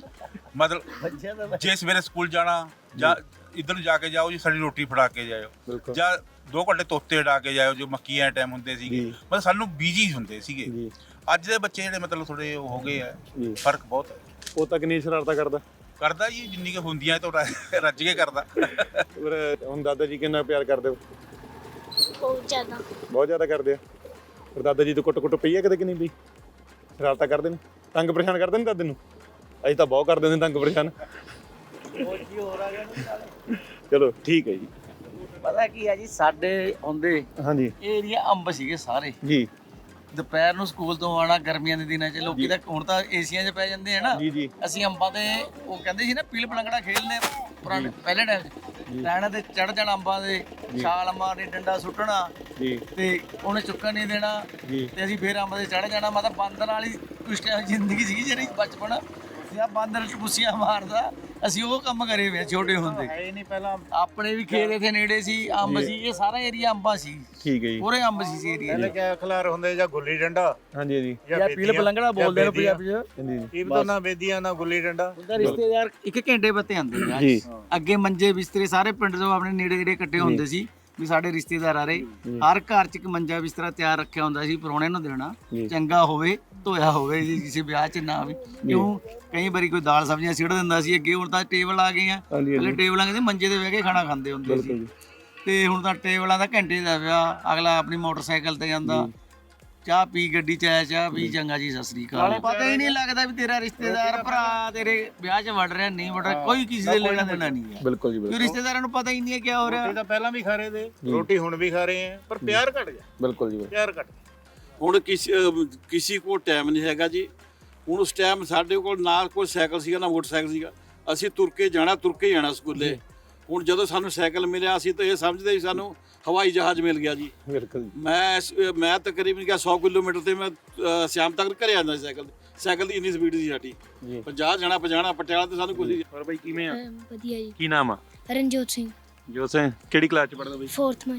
S6: ਮਤਲਬ ਜੇ ਸਵੇਰੇ ਸਕੂਲ ਜਾਣਾ ਜਾਂ ਇੱਧਰ ਨੂੰ ਜਾ ਕੇ ਜਾਓ ਜੀ ਸਾਡੀ ਰੋਟੀ ਫੜਾ ਕੇ ਜਾਇਓ ਜਾਂ 2 ਘੰਟੇ ਤੋਤੇ ਉਡਾ ਕੇ ਜਾਇਓ ਜੋ ਮੱਕੀਆਂ ਟਾਈਮ ਹੁੰਦੇ ਸੀਗੇ ਮਤਲਬ ਸਾਨੂੰ ਬਿਜੀ ਹੁੰਦੇ ਸੀਗੇ। ਅੱਜ ਦੇ ਬੱਚੇ ਜਿਹੜੇ ਮਤਲਬ ਥੋੜੇ ਹੋ ਗਏ ਆ ਫਰਕ ਬਹੁਤ ਹੈ।
S1: ਉਹ ਤਾਂ ਕਿੰਨੀ ਸ਼ਰਾਰਤਾਂ
S6: ਕਰਦਾ ਜੀ ਜਿੰਨੀ ਕਿ ਹੁੰਦੀਆਂ ਤਾਂ ਰੱਜ ਕੇ ਕਰਦਾ।
S1: ਹੁਣ ਦਾਦਾ ਜੀ ਕਿੰਨਾ ਪਿਆਰ ਕਰਦੇ ਹੋ? ਬਹੁਤ ਜ਼ਿਆਦਾ ਕਰਦੇ ਆ। ਫਿਰ ਦਾਦਾ ਜੀ ਤੋਂ ਕੁੱਟ ਪਈ ਆ ਕਦੇ ਕਿ ਨਹੀਂ ਪਈ? ਸ਼ਰਾਰਤਾਂ ਕਰਦੇ ਨੇ ਤੰਗ ਪਰੇਸ਼ਾਨ ਕਰਦੇ ਨੇ ਦਾਦੇ ਨੂੰ? ਅਸੀਂ ਤਾਂ ਬਹੁਤ ਕਰਦੇ ਨੇ ਤੰਗ ਪਰੇਸ਼ਾਨ। ਚਲੋ ਠੀਕ ਹੈ ਜੀ।
S2: ਪਤਾ ਕੀ ਹੈ ਜੀ ਸਾਡੇ ਆਉਂਦੇ
S1: ਹਾਂਜੀ
S2: ਇਹ ਏਰੀਆ ਅੰਬ ਸੀਗੇ ਸਾਰੇ
S1: ਜੀ।
S2: ਦੁਪਹਿਰ ਨੂੰ ਸਕੂਲ ਤੋਂ ਆਉਣਾ ਗਰਮੀਆਂ ਦੇ ਦਿਨਾਂ 'ਚ ਲੋਕੀ ਤਾਂ ਹੁਣ ਤਾਂ ਏਸੀਆਂ 'ਚ ਪੈ ਜਾਂਦੇ ਆ ਨਾ
S1: ਜੀ।
S2: ਅਸੀਂ ਅੰਬਾਂ ਤੇ ਉਹ ਕਹਿੰਦੇ ਸੀ ਨਾ ਪੀਲ ਪਲੰਗੜਾ ਖੇਡਦੇ ਪੁਰਾਣੇ ਪਹਿਲੇ ਟਾਈਮ 'ਚ ਟਾਣਾ ਤੇ ਚੜ ਜਾਣਾ ਅੰਬਾਂ ਦੇ ਛਾਲ ਮਾਰਨੀ ਡੰਡਾ ਸੁੱਟਣਾ ਤੇ ਉਹਨੇ ਚੁੱਕਣ ਨਹੀਂ ਦੇਣਾ ਤੇ ਅਸੀਂ ਫੇਰ ਅੰਬ ਤੇ ਚੜ ਜਾਣਾ ਮਤਲਬ ਬਾਂਦਰ ਵਾਲੀ ਉਸ ਟਾਈਮ ਜ਼ਿੰਦਗੀ ਸੀਗੀ ਜਿਹੜੀ ਬਚਪਨ ਜਾਂ ਬਾਂਦਰ ਟਪੂਸੀਆਂ ਮਾਰਦਾ ਅਸੀਂ ਉਹ ਕੰਮ ਕਰੇ ਹੋਏ ਛੋਟੇ ਹੁੰਦੇ ਨਹੀਂ ਪਹਿਲਾਂ ਆਪਣੇ ਵੀ ਖੇਤ ਇੱਥੇ ਨੇੜੇ ਸੀ ਅੰਬ ਸੀ ਇਹ ਸਾਰਾ ਏਰੀਆ ਅੰਬਾਂ ਸੀ।
S1: ਠੀਕ ਹੈ ਜੀ।
S2: ਪੂਰੇ ਅੰਬ ਸੀ ਏਰੀਆ
S8: ਪਹਿਲੇ ਕਿਆ ਖਲਾਰ ਹੁੰਦੇ ਜਾਂ ਗੁੱਲੀ ਡੰਡਾ
S1: ਹਾਂਜੀ ਜੀ
S2: ਜਾਂ ਪੀਲ ਪਲੰਗੜਾ ਬੋਲਦੇ ਨੇ ਪੰਜਾਬੀ 'ਚ
S1: ਹਾਂਜੀ।
S8: ਇਹ ਤਾਂ ਨਾ ਵੇਦੀਆਂ ਨਾ ਗੁੱਲੀ ਡੰਡਾ
S2: ਉਹਦਾ ਰਿਸ਼ਤੇਦਾਰ 1 ਘੰਟੇ ਬੱਤੇ ਆਉਂਦੇ ਜੀ। ਅੱਗੇ ਮੰਜੇ ਬਿਸਤਰੇ ਸਾਰੇ ਪਿੰਡ ਤੋਂ ਆਪਣੇ ਨੇੜੇ ਨੇੜੇ ਇਕੱਠੇ ਹੁੰਦੇ ਸੀ ਵੀ ਸਾਡੇ ਰਿਸ਼ਤੇਦਾਰ ਆ ਰਹੇ ਹਰ ਘਰ 'ਚ ਇੱਕ ਮੰਜਾ ਬਿਸਤਰਾ ਤਿਆਰ ਰੱਖਿਆ ਹੁੰਦਾ ਸੀ ਪ੍ਰਾਹੁਣੇ ਨੂੰ ਦੇਣਾ ਚੰਗਾ ਹੋਵੇ ਧੋਇਆ ਹੋਵੇ ਜੀ ਕਿਸੇ ਵਿਆਹ 'ਚ ਨਾ ਵੀ ਕਿਉਂ ਕਈ ਵਾਰੀ ਕੋਈ ਦਾਲ ਸਬਜ਼ੀਆਂ ਸਿੱਟ ਦਿੰਦਾ ਸੀ ਅੱਗੇ ਹੁਣ ਤਾਂ ਟੇਬਲ ਆ ਗਏ ਆ ਪਹਿਲੇ ਟੇਬਲਾਂ ਕਹਿੰਦੇ ਮੰਜੇ ਤੇ ਬਹਿ ਕੇ ਖਾਣਾ ਖਾਂਦੇ ਹੁੰਦੇ ਸੀ ਤੇ ਹੁਣ ਤਾਂ ਟੇਬਲਾਂ ਦਾ ਘੰਟੇ ਦਾ ਵਿਆਹ ਅਗਲਾ ਆਪਣੀ ਮੋਟਰਸਾਈਕਲ ਤੇ ਜਾਂਦਾ ਚਾਹ ਪੀ ਗੱਡੀ 'ਚ ਆਇਆ ਚਾਹ ਪੀ ਚੰਗਾ ਜੀ ਸਤਿ ਸ੍ਰੀ ਅਕਾਲ ਪਤਾ ਹੀ ਨਹੀਂ ਲੱਗਦਾ ਵੀ ਤੇਰਾ ਰਿਸ਼ਤੇਦਾਰ ਭਰਾ ਤੇਰੇ ਵਿਆਹ 'ਚ ਵੜ ਰਿਹਾ ਨਹੀਂ ਵੜ ਰਿਹਾ ਕੋਈ ਕਿਸੇ ਦੇ ਲੈਣਾ ਦੇਣਾ ਨਹੀਂ ਹੈ
S1: ਬਿਲਕੁਲ ਜੀ
S2: ਕਿਉਂ ਰਿਸ਼ਤੇਦਾਰਾਂ ਨੂੰ ਪਤਾ ਹੀ ਨਹੀਂ ਹੈ ਕੀ ਹੋ ਰਿਹਾ
S8: ਤਾਂ ਪਹਿਲਾਂ ਵੀ ਖਾ ਰਹੇ ਤੇ ਰੋਟੀ ਹੁਣ ਵੀ ਖਾ ਰਹੇ ਆ ਪਰ ਪਿਆਰ ਘਟ ਗਿਆ।
S1: ਬਿਲਕੁਲ ਜੀ।
S8: ਪਿਆਰ ਘਟ
S3: ਹੁਣ ਕਿਸੇ ਕੋਲ ਟਾਈਮ ਨਹੀਂ ਹੈਗਾ ਜੀ। ਹੁਣ ਉਸ ਟਾਈਮ ਸਾਡੇ ਕੋਲ ਨਾ ਕੋਈ ਸਾਈਕਲ ਸੀਗਾ ਨਾ ਮੋਟਰਸਾਈਕਲ ਸੀਗਾ ਅਸੀਂ ਤੁਰ ਕੇ ਜਾਣਾ ਸਕੂਲੇ। ਹੁਣ ਜਦੋਂ ਸਾਨੂੰ ਸਾਈਕਲ ਮਿਲਿਆ ਅਸੀਂ ਤਾਂ ਇਹ ਸਮਝਦੇ ਸੀ ਸਾਨੂੰ ਹਵਾਈ ਜਹਾਜ਼ ਮਿਲ ਗਿਆ ਜੀ।
S1: ਬਿਲਕੁਲ।
S3: ਮੈਂ ਤਕਰੀਬਨ 100 ਕਿਲੋਮੀਟਰ ਤੇ ਮੈਂ ਸ਼ਾਮ ਤੱਕ ਘਰੇ ਆਉਂਦਾ ਸੀ ਸਾਈਕਲ ਦੀ ਇੰਨੀ ਸਪੀਡ ਸੀ ਸਾਡੀ 50 ਜਾਣਾ ਪਟਿਆਲਾ ਤੇ ਸਾਨੂੰ ਕੁਝ।
S1: ਹੋਰ ਬਾਈ ਕਿਵੇਂ ਆ?
S7: ਵਧੀਆ ਜੀ।
S1: ਕੀ ਨਾਮ ਆ?
S7: ਰਣਜੋਤ ਸਿੰਘ
S1: ਜੋਤ ਸਿੰਘ ਕਿਹੜੀ ਕਲਾਸ ਚ ਪੜ੍ਹਦਾ ਬਾਈ?
S7: 4th ਮਾਈ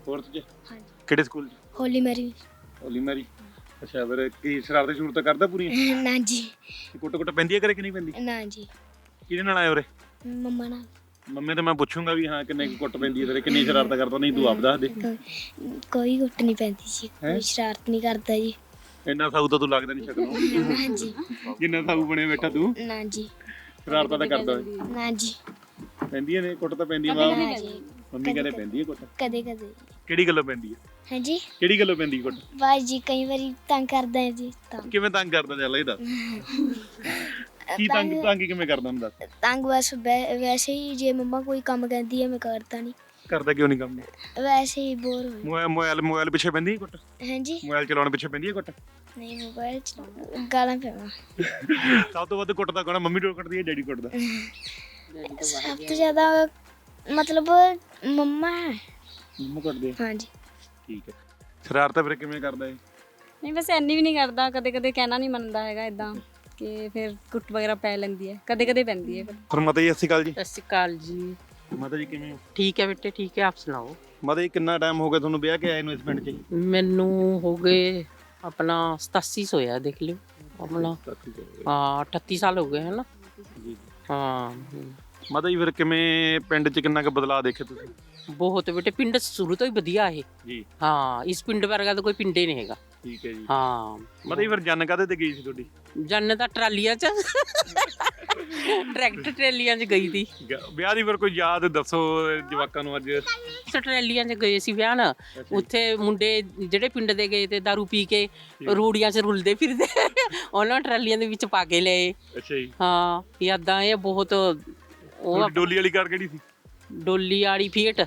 S1: 4th ਚ
S7: ਹਾਂਜੀ।
S1: ਕਿਹੜੇ ਸਕੂਲ ਚ?
S7: Holy Mary
S1: Holy Mary. ਅੱਛਾ ਫਿਰ ਕੀ ਸ਼ਰਾਰਤਾਂ ਸ਼ੁਰਤਾਂ ਕਰਦਾ ਪੂਰੀਆਂ?
S7: ਨਾ ਜੀ,
S1: ਕੁੱਟ ਪੈਂਦੀ ਹੈ ਘਰੇ ਕਿ ਨਹੀਂ ਪੈਂਦੀ?
S7: ਨਾ ਜੀ,
S1: ਕਿਹਦੇ ਨਾਲ ਆਏ ਉਰੇ?
S7: ਮੰਮਾ ਨਾਲ
S1: ਮੰਮੀ ਤੇ ਮੈਂ ਪੁੱਛੂੰਗਾ ਵੀ ਹਾਂ ਕਿੰਨੇ ਕੁ ਕੁੱਟ ਪੈਂਦੀ ਹੈ ਤੇਰੇ, ਕਿੰਨੀ ਸ਼ਰਾਰਤਾਂ ਕਰਦਾ? ਨਹੀਂ ਤੂੰ ਆਪ ਦੱਸ ਦੇ।
S7: ਕੋਈ ਗੁੱਟ ਨਹੀਂ ਪੈਂਦੀ ਜੀ,
S1: ਹੈਂ?
S7: ਕੋਈ ਸ਼ਰਾਰਤ ਨਹੀਂ ਕਰਦਾ ਜੀ।
S1: ਇੰਨਾ ਸਾਊ ਤਾਂ ਤੂੰ ਲੱਗਦਾ ਨਹੀਂ ਸ਼ਕਲੋਂ।
S7: ਨਾ ਜੀ,
S1: ਜਿੰਨਾ ਸਾਊ ਬਣੇ ਬੈਠਾ ਤੂੰ,
S7: ਨਾ ਜੀ,
S1: ਸ਼ਰਾਰਤਾਂ ਤਾਂ ਕਰਦਾ ਹੋਏ।
S7: ਨਾ ਜੀ,
S1: ਪੈਂਦੀਆਂ ਨੇ ਕੁੱਟ ਤਾਂ ਪੈਂਦੀ ਮਾਂ।
S7: ਨਾ ਜੀ,
S1: ਮੰਮੀ ਕਹਿੰਦੇ ਪੈਂਦੀ ਹੈ ਕੁੱਟ।
S7: ਕਦੇ ਕਦੇ।
S1: ਕਿਹੜੀ ਗੱਲੋਂ ਪੈਂਦੀ ਹੈ?
S7: ਹਾਂਜੀ,
S1: ਕਿਹੜੀ ਗੱਲੋਂ ਪੈਂਦੀ ਕੁੱਟ?
S7: ਬਾਈ ਜੀ ਕਈ ਵਾਰੀ ਤੰਗ ਕਰਦਾ ਹੈ ਜੀ, ਤਾਂ
S1: ਕਿਵੇਂ ਤੰਗ ਕਰਦਾ ਚੱਲ ਇਹ ਦੱਸ। ਕੀ ਤੰਗ ਕਿਵੇਂ ਕਰਦਾ ਹੁੰਦਾ?
S7: ਤੰਗ ਬਸ ਵੈਸੇ ਹੀ, ਜੇ ਮੰਮਾ ਕੋਈ ਕੰਮ ਕਹਿੰਦੀ ਹੈ ਮੈਂ ਕਰਦਾ ਨਹੀਂ,
S1: ਕਰਦਾ ਕਿਉਂ ਨਹੀਂ ਕੰਮ?
S7: ਵੈਸੇ ਹੀ ਬੋਰ ਹੋ।
S1: ਮੋਬਾਈਲ ਪਿੱਛੇ ਪੈਂਦੀ ਹੈ ਕੁੱਟ?
S7: ਹਾਂਜੀ,
S1: ਮੋਬਾਈਲ ਚਲਾਉਣ ਪਿੱਛੇ ਪੈਂਦੀ ਹੈ ਕੁੱਟ?
S7: ਨਹੀਂ ਮੋਬਾਈਲ ਚ ਗਾਲਾਂ ਪੈਣਾ।
S1: ਸਭ ਤੋਂ ਵੱਧ ਕੁੱਟਦਾ ਕੌਣ? ਮੰਮੀ ਡੋਲ ਕੁੱਟਦੀ ਹੈ ਡੈਡੀ ਕੁੱਟਦਾ?
S7: ਸਭ ਤੋਂ ਜ਼ਿਆਦਾ ਮਤਲਬ ਮੰਮਾ ਹੈ।
S1: ਮੰਮਾ ਕੁੱਟਦੇ ਆ?
S7: ਹਾਂਜੀ।
S1: ਠੀਕ ਹੈ। ਸ਼ਰਾਰਤਾਂ ਫਿਰ ਕਿਵੇਂ ਕਰਦਾ ਇਹ?
S11: ਨਹੀਂ ਬਸ ਇੰਨੀ ਵੀ ਨਹੀਂ ਕਰਦਾ, ਕਦੇ ਕਦੇ ਕਹਿਣਾ ਨਹੀਂ ਮੰਨਦਾ ਹੈਗਾ ਇਦਾਂ ਕਿ ਫਿਰ ਕੁੱਟ ਵਗੈਰਾ ਪੈ ਲੈਂਦੀ ਹੈ, ਕਦੇ ਕਦੇ ਪੈਂਦੀ ਹੈ।
S1: ਫਿਰ ਮਾਤਾ ਜੀ ਸਤਿ ਸ਼੍ਰੀ ਅਕਾਲ ਜੀ।
S5: ਸਤਿ ਸ਼੍ਰੀ ਅਕਾਲ ਜੀ।
S1: ਮਾਤਾ ਜੀ ਕਿਵੇਂ ਹੋ?
S5: ਠੀਕ ਹੈ ਬੇਟੇ, ਠੀਕ ਹੈ, ਆਪ ਸੁਣਾਓ।
S1: ਮਾਤਾ ਜੀ ਕਿੰਨਾ ਟਾਈਮ ਹੋ ਗਿਆ ਤੁਹਾਨੂੰ ਵਿਆਹ ਕੇ ਆਏ ਨੂੰ ਇਸ ਪਿੰਡ 'ਚ?
S5: ਮੈਨੂੰ ਹੋ ਗਏ ਆਪਣਾ 87 ਹੋਇਆ, ਦੇਖ ਲਿਓ ਆਪਣਾ। ਹਾਂ 38 ਸਾਲ ਹੋ ਗਏ ਹੈ ਨਾ। ਹਾਂ
S1: ਮਾਤਾ ਜੀ ਫਿਰ ਕਿਵੇਂ ਪਿੰਡ 'ਚ ਕਿੰਨਾ ਕੁ ਬਦਲਾਅ ਦੇਖੇ ਤੁਸੀਂ?
S5: ਬਹੁਤ ਬੇਟੇ, ਪਿੰਡ ਸ਼ੁਰੂ ਤੋਂ ਹੀ ਵਧੀਆ ਹੈ
S1: ਜੀ।
S5: ਹਾਂ, ਇਸ ਪਿੰਡ ਵਰਗਾ ਤਾਂ ਕੋਈ ਪਿੰਡ ਹੀ ਨਹੀਂ ਹੈਗਾ।
S1: ਠੀਕ ਹੈ ਜੀ।
S5: ਹਾਂ
S1: ਮਾਤਾ ਜੀ ਫਿਰ ਜਨ ਕਾਹਦੇ ਤੇ ਗਈ ਸੀ ਤੁਹਾਡੀ?
S5: ਜੰਨ ਤਾਂ ਟਰਾਲੀਆਂ 'ਚ ਟਰੈਕਟਰ ਟਰਾਲੀਆਂ 'ਚ ਗਈ ਸੀ।
S1: ਵਿਆਹ ਦੀ ਫਿਰ ਕੋਈ ਯਾਦ ਦੱਸੋ ਜਵਾਕਾਂ ਨੂੰ ਅੱਜ।
S5: ਟਰਾਲੀਆਂ 'ਚ ਗਏ ਸੀ ਵਿਆਹ ਨਾ, ਉੱਥੇ ਮੁੰਡੇ ਜਿਹੜੇ ਪਿੰਡ ਦੇ ਗਏ ਤੇ ਦਾਰੂ ਪੀ ਕੇ ਰੂੜੀਆਂ 'ਚ ਰੁਲਦੇ ਫਿਰਦੇ, ਉਹਨਾਂ ਟਰਾਲੀਆਂ ਦੇ ਵਿੱਚ ਪਾ ਕੇ ਲਏ।
S1: ਅੱਛਾ ਜੀ।
S5: ਹਾਂ ਯਾਦਾਂ ਇਹ ਬਹੁਤ। ਉਹ
S1: ਡੋਲੀ ਵਾਲੀ ਕਾਰ ਕਿਹੜੀ ਸੀ?
S5: ਡੋਲੀ ਵਾਲੀ ਫੀਟ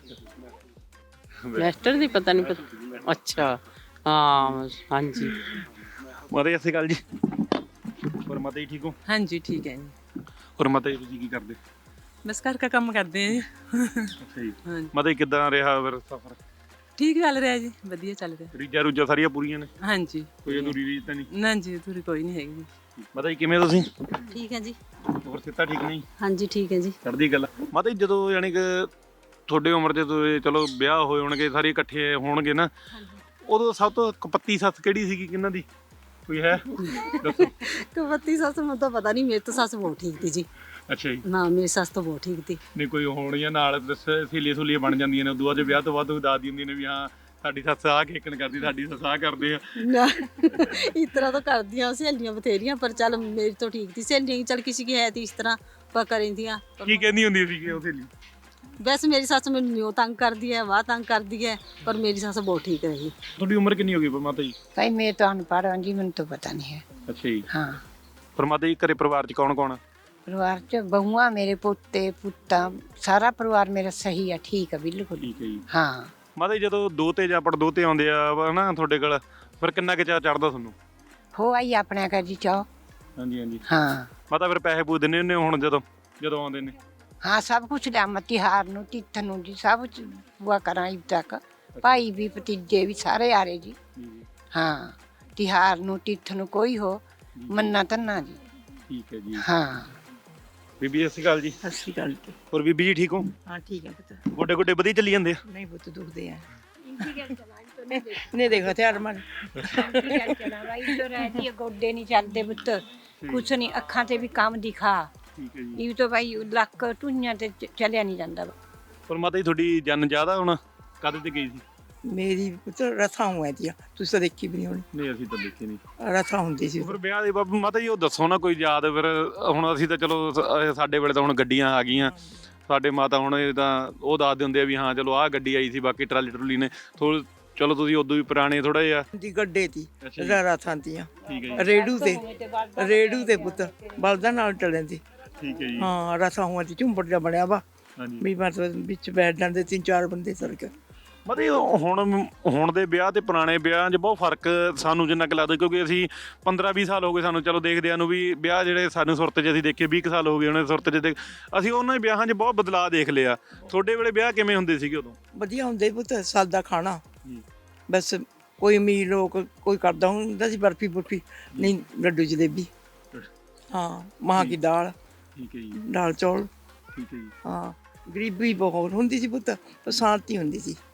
S5: ਮੈਸਟਰ ਦੀ ਪਤਾ ਨਹੀਂ ਪਤਾ। ਅੱਛਾ ਹਾਂ ਹਾਂਜੀ।
S1: ਮਾਤਾ ਜੀ ਸਤਿ ਸ਼੍ਰੀ ਅਕਾਲ ਜੀ। ਹੋਰ ਮਾਤਾ ਜੀ ਠੀਕ ਹੋ?
S12: ਹਾਂਜੀ ਠੀਕ ਹੈ ਜੀ।
S1: ਹੋਰ ਮਾਤਾ ਜੀ ਤੁਸੀਂ ਕੀ ਕਰਦੇ?
S12: ਬਸ ਘਰ ਦਾ ਕੰਮ ਕਰਦੇ ਆ ਜੀ।
S1: ਅੱਛਾ ਜੀ। ਮਾਤਾ ਜੀ ਕਿੱਦਾਂ ਰਿਹਾ ਫਿਰ ਸਫ਼ਰ?
S12: ਠੀਕ ਚੱਲ ਰਿਹਾ ਜੀ, ਵਧੀਆ ਚੱਲ ਰਿਹਾ।
S1: ਰੀਜਾਂ ਰੂਜਾਂ ਸਾਰੀਆਂ ਪੂਰੀਆਂ ਨੇ?
S12: ਹਾਂਜੀ।
S1: ਕੋਈ ਅਧੂਰੀ ਰੀਜ ਤਾਂ ਨਹੀਂ?
S12: ਨਾ ਜੀ, ਅਧੂਰੀ ਕੋਈ ਨਹੀਂ ਹੈਗੀ।
S1: ਮਾਤਾ ਜੀ ਕਿਵੇਂ ਤੁਸੀਂ?
S11: ਠੀਕ ਹੈ ਜੀ।
S1: ਹੋਰ ਸਿੱਧਾ ਠੀਕ ਨਹੀਂ?
S11: ਹਾਂਜੀ ਠੀਕ ਹੈ ਜੀ।
S1: ਚੜ੍ਹਦੀ ਗੱਲ। ਮਾਤਾ ਜੀ ਜਦੋਂ ਯਾਨੀ ਕਿ ਤੁਹਾਡੇ ਉਮਰ ਦੇ ਚਲੋ ਵਿਆਹ ਹੋਏ ਹੋਣਗੇ, ਸਾਰੇ ਇਕੱਠੇ ਹੋਣਗੇ ਨਾ, ਉਦੋਂ ਸਭ ਤੋਂ ਕਪੱਤੀ ਸੱਸ ਕਿਹੜੀ ਸੀਗੀ, ਕਿਹਨਾਂ ਦੀ ਕੋਈ ਹੈ ਦੱਸੋ?
S11: ਕਪੱਤੀ ਸੱਸ ਮੈਨੂੰ ਤਾਂ ਪਤਾ ਨਹੀਂ, ਮੇਰੀ ਤਾਂ ਸੱਸ ਬਹੁਤ ਠੀਕ ਸੀ ਜੀ।
S1: ਅੱਛਾ ਜੀ।
S11: ਨਾ ਮੇਰੀ ਸੱਸ ਤਾਂ ਬਹੁਤ ਠੀਕ ਸੀ।
S1: ਨਹੀਂ ਕੋਈ ਹੋਣੀਆਂ ਨਾਲ ਸਹੇਲੀਆਂ ਸੁਲੀਆਂ ਬਣ ਜਾਂਦੀਆਂ ਨੇ, ਉਦੋਂ ਬਾਅਦ ਵਿਆਹ ਤੋਂ ਬਾਅਦ ਉਹ ਦੱਸਦੀ ਹੁੰਦੀ ਨੇ ਵੀ ਹਾਂ ਸਾਡੀ ਸੱਸ ਆਹ ਖੇਕਣ ਕਰਦੀ, ਸਾਡੀ ਸੱਸ ਆਹ ਕਰਦੇ ਆ।
S11: ਨਾ ਇਸ ਤਰ੍ਹਾਂ ਤਾਂ ਕਰਦੀਆਂ ਸਹੇਲੀਆਂ ਬਥੇਰੀਆਂ, ਪਰ ਚੱਲ ਮੇਰੀ ਤਾਂ ਠੀਕ ਸੀ ਸਹੇਲੀਆਂ। ਚੱਲ ਕਿਸੇ ਕੀ ਹੈ ਤੀ ਇਸ ਤਰ੍ਹਾਂ ਪਰ ਕਰੀਂਦੀਆਂ।
S1: ਕੀ ਕਹਿੰਦੀ ਹੁੰਦੀ ਸੀ ਉਹ ਸਹੇਲੀ?
S11: ਵੈਸੇ ਮੇਰੀ ਸੱਸ ਮੈਨੂੰ ਨਿਉ ਤੰਗ ਕਰਦੀ ਹੈ, ਵਾਹ ਤੰਗ ਕਰਦੀ ਹੈ, ਪਰ ਮੇਰੀ ਸੱਸ ਬਹੁਤ ਠੀਕ ਰਹੀ।
S1: ਤੁਹਾਡੀ ਉਮਰ ਕਿੰਨੀ ਹੋ ਗਈ ਮਾਤਾ ਜੀ?
S12: ਭਾਈ ਮੈਂ ਤਾਂ ਅਨਪੜ੍ਹ ਹਾਂ ਜੀ, ਮੈਨੂੰ ਤਾਂ ਪਤਾ ਨਹੀਂ ਹੈ।
S1: ਅੱਛਾ ਜੀ।
S12: ਹਾਂ।
S1: ਪਰ ਮਾਤਾ ਜੀ ਘਰੇ ਪਰਿਵਾਰ 'ਚ ਕੌਣ ਕੌਣ ਆ?
S12: ਪਰਿਵਾਰ 'ਚ ਬਹੂਆਂ, ਮੇਰੇ ਪੋਤੇ ਪੁੱਤਾਂ, ਸਾਰਾ ਪਰਿਵਾਰ ਮੇਰਾ ਸਹੀ ਆ, ਠੀਕ ਆ ਬਿਲਕੁਲ।
S1: ਠੀਕ ਹੈ ਜੀ।
S12: ਹਾਂ।
S1: ਮਾਤਾ ਜੀ ਜਦੋਂ ਦੋਤੇ ਜਾਂ ਪੜ ਦੋਤੇ ਆਉਂਦੇ ਆ ਨਾ ਤੁਹਾਡੇ ਕੋਲ, ਫਿਰ ਕਿੰਨਾ ਕੁ ਚਾਅ ਚੜਦਾ ਤੁਹਾਨੂੰ?
S12: ਹੋ ਆਈ ਆਪਣੇ ਘਰ ਜੀ ਚਾਹ।
S1: ਹਾਂਜੀ ਹਾਂਜੀ।
S12: ਹਾਂ।
S1: ਮਾਤਾ ਫਿਰ ਪੈਸੇ ਪੂਸੇ ਦਿੰਦੇ ਹੁੰਦੇ ਹੁਣ ਜਦੋਂ ਆਉਂਦੇ ਨੇ?
S12: ਹਾਂ ਸਭ ਕੁਛ ਲਿਆ, ਤਿਉਹਾਰ ਨੂੰ ਤਿੱਥ ਨੂੰ ਜੀ ਸਭ ਬੁਆ ਕਰਾਂ ਇਬ ਤੱਕ। ਭਾਈ ਵੀ ਭਤੀਜੇ ਵੀ ਸਾਰੇ ਆ ਰਹੇ ਜੀ। ਹਾਂ ਤਿਉਹਾਰ ਨੂੰ ਤਿੱਥ ਨੂੰ ਕੋਈ ਹੋ ਮੰਨਾ ਧੰਨਾ ਜੀ।
S1: ਠੀਕ ਹੈ ਜੀ।
S12: ਹਾਂ।
S1: ਬੀਬੀ ਸਤਿ ਸ਼੍ਰੀ ਅਕਾਲ ਜੀ।
S12: ਸਤਿ ਸ਼੍ਰੀ ਅਕਾਲ ਜੀ।
S1: ਹੋਰ ਬੀਬੀ ਜੀ ਠੀਕ ਹੋ?
S12: ਹਾਂ ਠੀਕ ਹੈ ਪੁੱਤ।
S1: ਗੋਡੇ ਗੋਡੇ ਵਧੀਆ ਚੱਲੀ ਜਾਂਦੇ ਆ?
S12: ਨਹੀਂ ਪੁੱਤ ਦੁਖਦੇ ਆ। ਨਹੀਂ ਦੇਖੋ ਹਥਿਆਰ ਮਾਰ ਗੋਡੇ ਨਹੀਂ ਚੱਲਦੇ ਪੁੱਤ, ਕੁਛ ਨਹੀਂ, ਅੱਖਾਂ ਤੇ ਵੀ ਕੰਮ ਦਿਖਾ।
S1: ਠੀਕ ਹੈ ਜੀ।
S12: ਇਹ ਤਾਂ ਭਾਈ ਲੱਕ ਟੁੰਨਿਆਂ ਤੇ ਚਲਿਆ ਨਹੀਂ ਜਾਂਦਾ।
S1: ਪਰ ਮਾਤਾ ਜੀ ਤੁਹਾਡੀ ਜਨ ਜ਼ਿਆਦਾ ਹੁਣ ਕਦ ਤੇ ਗਈ ਸੀ?
S12: ਮੇਰੀ ਪੁੱਤ ਰਥਾਂ ਹੋਇਆ ਦੀਆਂ, ਤੁਸੀਂ ਤਾਂ ਦੇਖੀ ਵੀ ਨਹੀਂ ਹੋਣੀ।
S1: ਨਹੀਂ ਅਸੀਂ ਤਾਂ ਦੇਖੀ ਨਹੀਂ।
S12: ਰਥਾਂ ਹੁੰਦੀ ਸੀ।
S1: ਫਿਰ ਵਿਆਹ ਦੇ ਬਾਬੂ ਮਾਤਾ ਜੀ ਉਹ ਦੱਸੋ ਨਾ ਕੋਈ ਯਾਦ। ਫਿਰ ਹੁਣ ਅਸੀਂ ਤਾਂ ਚਲੋ ਸਾਡੇ ਵੇਲੇ ਤਾਂ ਹੁਣ ਗੱਡੀਆਂ ਆ ਗਈਆਂ, ਸਾਡੇ ਮਾਤਾ ਹੁਣ ਇਹ ਤਾਂ ਉਹ ਦੱਸਦੇ ਹੁੰਦੇ ਆ ਵੀ ਹਾਂ ਚਲੋ ਆਹ ਗੱਡੀ ਆਈ ਸੀ, ਬਾਕੀ ਟਰਾਲੀ ਟਰੂਲੀ ਨੇ ਚਲੋ ਤੁਸੀਂ ਉਦੋਂ ਵੀ ਪੁਰਾਣੇ ਥੋੜਾ ਜਿਹਾ।
S12: ਦੀ ਗੱਡੇ ਦੀ ਰਥਾਂ ਦੀਆਂ।
S1: ਠੀਕ ਹੈ ਜੀ।
S12: ਰੇੜੂ ਤੇ ਪੁੱਤ ਬਲਦਾਂ ਨਾਲ ਟਲੇ ਦੀ।
S1: ਠੀਕ ਹੈ ਜੀ।
S12: ਹਾਂ ਰਥਾਂ ਹੋਇਆ ਦੀ ਝੁੰਬੜ ਜਿਹਾ ਬਣਿਆ ਵਾ।
S1: ਹਾਂਜੀ।
S12: ਵੀ ਮਤਲਬ ਵਿੱਚ ਬੈਠ ਜਾਂਦੇ 3-4 ਬੰਦੇ ਸਰਕ।
S1: ਮਤਲਬ ਹੁਣ ਦੇ ਵਿਆਹ ਤੇ ਪੁਰਾਣੇ ਵਿਆਹਾਂ 'ਚ ਬਹੁਤ ਫਰਕ ਸਾਨੂੰ ਜਿੰਨਾ ਕੁ ਲੱਗਦਾ, ਕਿਉਂਕਿ ਅਸੀਂ 15-20 ਸਾਲ ਹੋ ਗਏ ਸਾਨੂੰ ਚਲੋ ਦੇਖਦਿਆਂ ਨੂੰ, ਵੀ ਵਿਆਹ ਜਿਹੜੇ ਸਾਨੂੰ ਸੁਰਤ 'ਚ ਅਸੀਂ ਦੇਖੇ 20 ਸਾਲ ਹੋ ਗਏ ਉਹਨੇ ਸੁਰਤ 'ਚ ਅਸੀਂ ਉਹਨਾਂ ਵਿਆਹਾਂ 'ਚ ਬਹੁਤ ਬਦਲਾਅ ਦੇਖ ਲਿਆ। ਤੁਹਾਡੇ ਵੇਲੇ ਵਿਆਹ ਕਿਵੇਂ ਹੁੰਦੇ ਸੀਗੇ ਉਦੋਂ?
S12: ਵਧੀਆ ਹੁੰਦੇ ਪੁੱਤ, ਸਾਦਾ ਖਾਣਾ ਬਸ। ਕੋਈ ਅਮੀਰ ਲੋਕ ਕੋਈ ਕਰਦਾ ਹੁੰਦਾ ਸੀ ਬਰਫੀ ਬੁਰਫੀ, ਨਹੀਂ ਲੱਡੂ ਜਲੇਬੀ। ਹਾਂ ਮਾਂ ਕੀ ਦਾਲ।
S1: ਠੀਕ ਹੈ ਜੀ।
S12: ਦਾਲ ਚੌਲ।
S1: ਠੀਕ ਹੈ ਜੀ।
S12: ਹਾਂ ਗਰੀਬੀ ਬਹੁਤ ਹੁੰਦੀ ਸੀ ਪੁੱਤ, ਪਰ ਸ਼ਾਂਤੀ ਹੁੰਦੀ ਸੀ।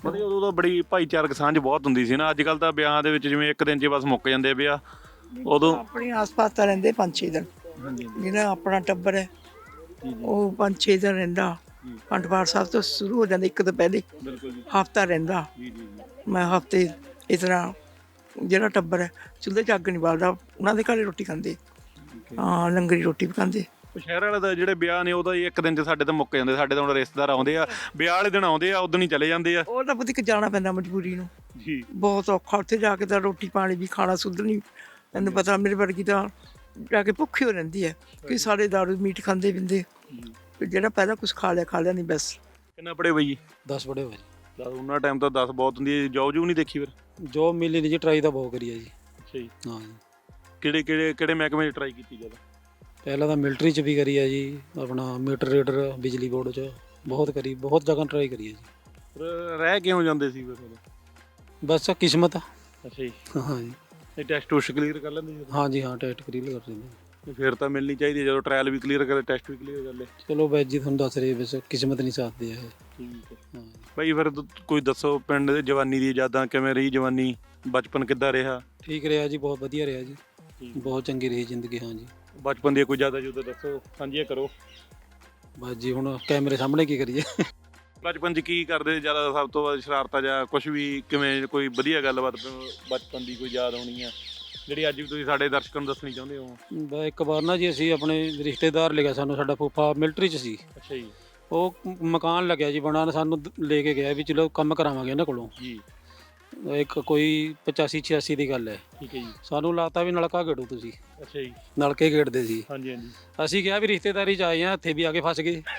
S1: ਮਤਲਬ ਉਦੋਂ ਤਾਂ ਬੜੀ ਭਾਈਚਾਰਕ ਸਾਂਝ ਬਹੁਤ ਹੁੰਦੀ ਸੀ ਨਾ। ਅੱਜ ਕੱਲ ਤਾਂ ਵਿਆਹਾਂ ਦੇ ਵਿੱਚ ਜਿਵੇਂ ਇੱਕ ਦਿਨ 'ਚ ਬਸ ਮੁੱਕ ਜਾਂਦੇ ਆ ਵਿਆਹ। ਉਦੋਂ
S13: ਆਪਣੇ ਆਸ-ਪਾਸ ਤਾਂ ਰਹਿੰਦੇ 5-6 ਦਿਨ। ਜਿਹੜਾ ਆਪਣਾ ਟੱਬਰ ਹੈ ਉਹ 5-6 ਦਿਨ ਰਹਿੰਦਾ। ਅਖੰਡ ਪਾਠ ਸਾਹਿਬ ਤੋਂ ਸ਼ੁਰੂ ਹੋ ਜਾਂਦਾ ਇੱਕ ਤੋਂ ਪਹਿਲੇ ਹਫਤਾ ਰਹਿੰਦਾ। ਮੈਂ ਹਫਤੇ ਇਸ ਤਰ੍ਹਾਂ ਜਿਹੜਾ ਟੱਬਰ ਹੈ ਚੁੱਲ੍ਹੇ 'ਚ ਅੱਗ ਨਹੀਂ ਬਾਲਦਾ, ਉਹਨਾਂ ਦੇ ਘਰੇ ਰੋਟੀ ਖਾਂਦੇ। ਹਾਂ, ਲੰਗਰੀ ਰੋਟੀ ਵੀ ਖਾਂਦੇ।
S1: ਸ਼ਹਿਰ ਵਾਲੇ ਦਾ ਜਿਹੜੇ ਵਿਆਹ ਨੇ ਉਹ ਤਾਂ ਇੱਕ ਦਿਨ 'ਚ ਸਾਡੇ ਤਾਂ ਮੁੱਕ ਜਾਂਦੇ। ਸਾਡੇ ਤਾਂ ਹੁਣ ਰਿਸ਼ਤੇਦਾਰ ਆਉਂਦੇ ਆ, ਵਿਆਹ ਵਾਲੇ ਦਿਨ ਆਉਂਦੇ ਆ, ਉਦੋਂ ਹੀ ਚਲੇ ਜਾਂਦੇ ਆ।
S13: ਉਹ ਤਾਂ ਪੁੱਤ ਇੱਕ ਜਾਣਾ ਪੈਂਦਾ ਮਜਬੂਰੀ ਨੂੰ
S1: ਜੀ, ਬਹੁਤ
S13: ਔਖਾ। ਉੱਥੇ ਜਾ ਕੇ ਤਾਂ ਰੋਟੀ ਪਾਣੀ ਵੀ ਖਾਣਾ ਸੁੱਧ ਨਹੀਂ। ਤੈਨੂੰ ਪਤਾ ਮੇਰੇ ਵਰਗੀ ਤਾਂ ਜਾ ਕੇ ਭੁੱਖੀ ਹੋ ਰਹਿੰਦੀ ਹੈ ਕਿ ਸਾਡੇ ਦਾਰੂ ਮੀਟ ਖਾਂਦੇ ਪੀਂਦੇ। ਜਿਹੜਾ ਪਹਿਲਾਂ ਕੁਝ ਖਾ ਲਿਆ ਨਹੀਂ ਬਸ।
S1: ਕਿੰਨਾ ਪੜੇ ਬਈ ਜੀ?
S4: 10 ਪੜੇ ਹੋਏ ਜੀ।
S1: ਉਹਨਾਂ ਟਾਈਮ ਤਾਂ 10 ਬਹੁਤ ਹੁੰਦੀ ਹੈ। ਜੋਬ ਜੂ ਨਹੀਂ ਦੇਖੀ ਫਿਰ?
S4: ਜੋਬ ਮਿਲੀ ਨਹੀਂ ਜੀ, ਟਰਾਈ ਤਾਂ ਬਹੁਤ ਕਰੀ ਹੈ ਜੀ।
S1: ਅੱਛਾ ਜੀ।
S4: ਹਾਂ ਜੀ।
S1: ਕਿਹੜੇ ਮਹਿਕਮੇ 'ਚ ਟਰਾਈ ਕੀਤੀ ਜਦੋਂ?
S4: ਪਹਿਲਾਂ ਤਾਂ ਮਿਲਟਰੀ 'ਚ ਵੀ ਕਰੀ ਹੈ ਜੀ, ਆਪਣਾ ਮੀਟਰ ਰੀਡਰ ਬਿਜਲੀ ਬੋਰਡ 'ਚ ਬਹੁਤ ਕਰੀ, ਬਹੁਤ ਜਗ੍ਹਾ ਟਰਾਈ ਕਰੀ ਹੈ ਜੀ।
S1: ਰਹਿ ਕਿਉਂ ਜਾਂਦੇ ਸੀ ਫਿਰ?
S4: ਬਸ ਕਿਸਮਤ ਆ।
S1: ਅੱਛਾ ਜੀ।
S4: ਹਾਂ ਜੀ।
S1: ਇਹ ਟੈਸਟ ਟੂਸਟ ਕਲੀਅਰ ਕਰ ਲੈਂਦੇ ਸੀ?
S4: ਹਾਂ ਜੀ, ਹਾਂ ਟੈਸਟ ਕਲੀਅਰ ਕਰ ਲੈਂਦੇ।
S1: ਫਿਰ ਤਾਂ ਮਿਲਣੀ ਚਾਹੀਦੀ ਹੈ, ਜਦੋਂ ਟ੍ਰਾਇਲ ਵੀ ਕਲੀਅਰ ਕਰੇ, ਟੈਸਟ ਵੀ ਕਲੀਅਰ ਕਰ ਲੈ।
S4: ਚਲੋ ਬਾਈ ਜੀ, ਤੁਹਾਨੂੰ ਦੱਸ ਰਹੇ ਬਸ ਕਿਸਮਤ ਨਹੀਂ ਸਾਥ ਦੇ ਹੈ।
S1: ਠੀਕ ਹੈ। ਹਾਂ ਭਾਈ, ਫਿਰ ਕੋਈ ਦੱਸੋ ਪਿੰਡ ਦੇ ਜਵਾਨੀ ਦੀ ਯਾਦਾਂ, ਕਿਵੇਂ ਰਹੀ ਜਵਾਨੀ, ਬਚਪਨ ਕਿੱਦਾਂ ਰਿਹਾ?
S4: ਠੀਕ ਰਿਹਾ ਜੀ, ਬਹੁਤ ਵਧੀਆ ਰਿਹਾ ਜੀ, ਬਹੁਤ ਚੰਗੀ ਰਹੀ ਜ਼ਿੰਦਗੀ। ਹਾਂ ਜੀ।
S1: ਬਚਪਨ ਦੀ ਕੋਈ ਯਾਦਾਂ ਜੁਦਾਂ ਦੱਸੋ, ਸਾਂਝੀਆਂ ਕਰੋ।
S4: ਬਸ ਜੀ, ਹੁਣ ਕੈਮਰੇ ਸਾਹਮਣੇ ਕੀ ਕਰੀਏ।
S1: ਬਚਪਨ 'ਚ ਕੀ ਕਰਦੇ ਜ਼ਿਆਦਾ, ਸਭ ਤੋਂ ਵੱਧ ਸ਼ਰਾਰਤਾਂ ਜਾਂ ਕੁਝ ਵੀ? ਕਿਵੇਂ ਕੋਈ ਵਧੀਆ ਗੱਲਬਾਤ ਬਚਪਨ ਦੀ ਕੋਈ ਯਾਦ ਹੋਣੀ ਆ ਜਿਹੜੀ ਅੱਜ ਵੀ ਤੁਸੀਂ ਸਾਡੇ ਦਰਸ਼ਕਾਂ ਨੂੰ ਦੱਸਣੀ ਚਾਹੁੰਦੇ ਹੋ?
S4: ਇੱਕ ਵਾਰ ਨਾ ਜੀ, ਅਸੀਂ ਆਪਣੇ ਰਿਸ਼ਤੇਦਾਰ ਲਿਆ ਸਾਨੂੰ, ਸਾਡਾ ਫੁੱਫਾ ਮਿਲਟਰੀ 'ਚ ਸੀ।
S1: ਅੱਛਾ ਜੀ।
S4: ਉਹ ਮਕਾਨ ਲੱਗਿਆ ਜੀ ਬਣਾਉਣ, ਸਾਨੂੰ ਲੈ ਕੇ ਗਿਆ ਵੀ ਚਲੋ ਕੰਮ ਕਰਾਵਾਂਗੇ ਇਹਨਾਂ ਕੋਲੋਂ
S1: ਜੀ।
S4: ਇੱਕ ਕੋਈ 85-86 ਦੀ ਗੱਲ ਹੈ।
S1: ਠੀਕ ਹੈ ਜੀ।
S4: ਸਾਨੂੰ ਲਾਤਾ ਵੀ ਨਲਕਾ ਗੇੜੋ ਤੁਸੀਂ।
S1: ਅੱਛਾ ਜੀ।
S4: ਨਲਕੇ ਗੇੜਦੇ ਸੀ।
S1: ਹਾਂਜੀ ਹਾਂਜੀ।
S4: ਅਸੀਂ ਕਿਹਾ ਵੀ ਰਿਸ਼ਤੇਦਾਰੀ 'ਚ ਆਏ ਆ, ਇੱਥੇ ਵੀ ਆ ਕੇ ਫਸ ਗਏ।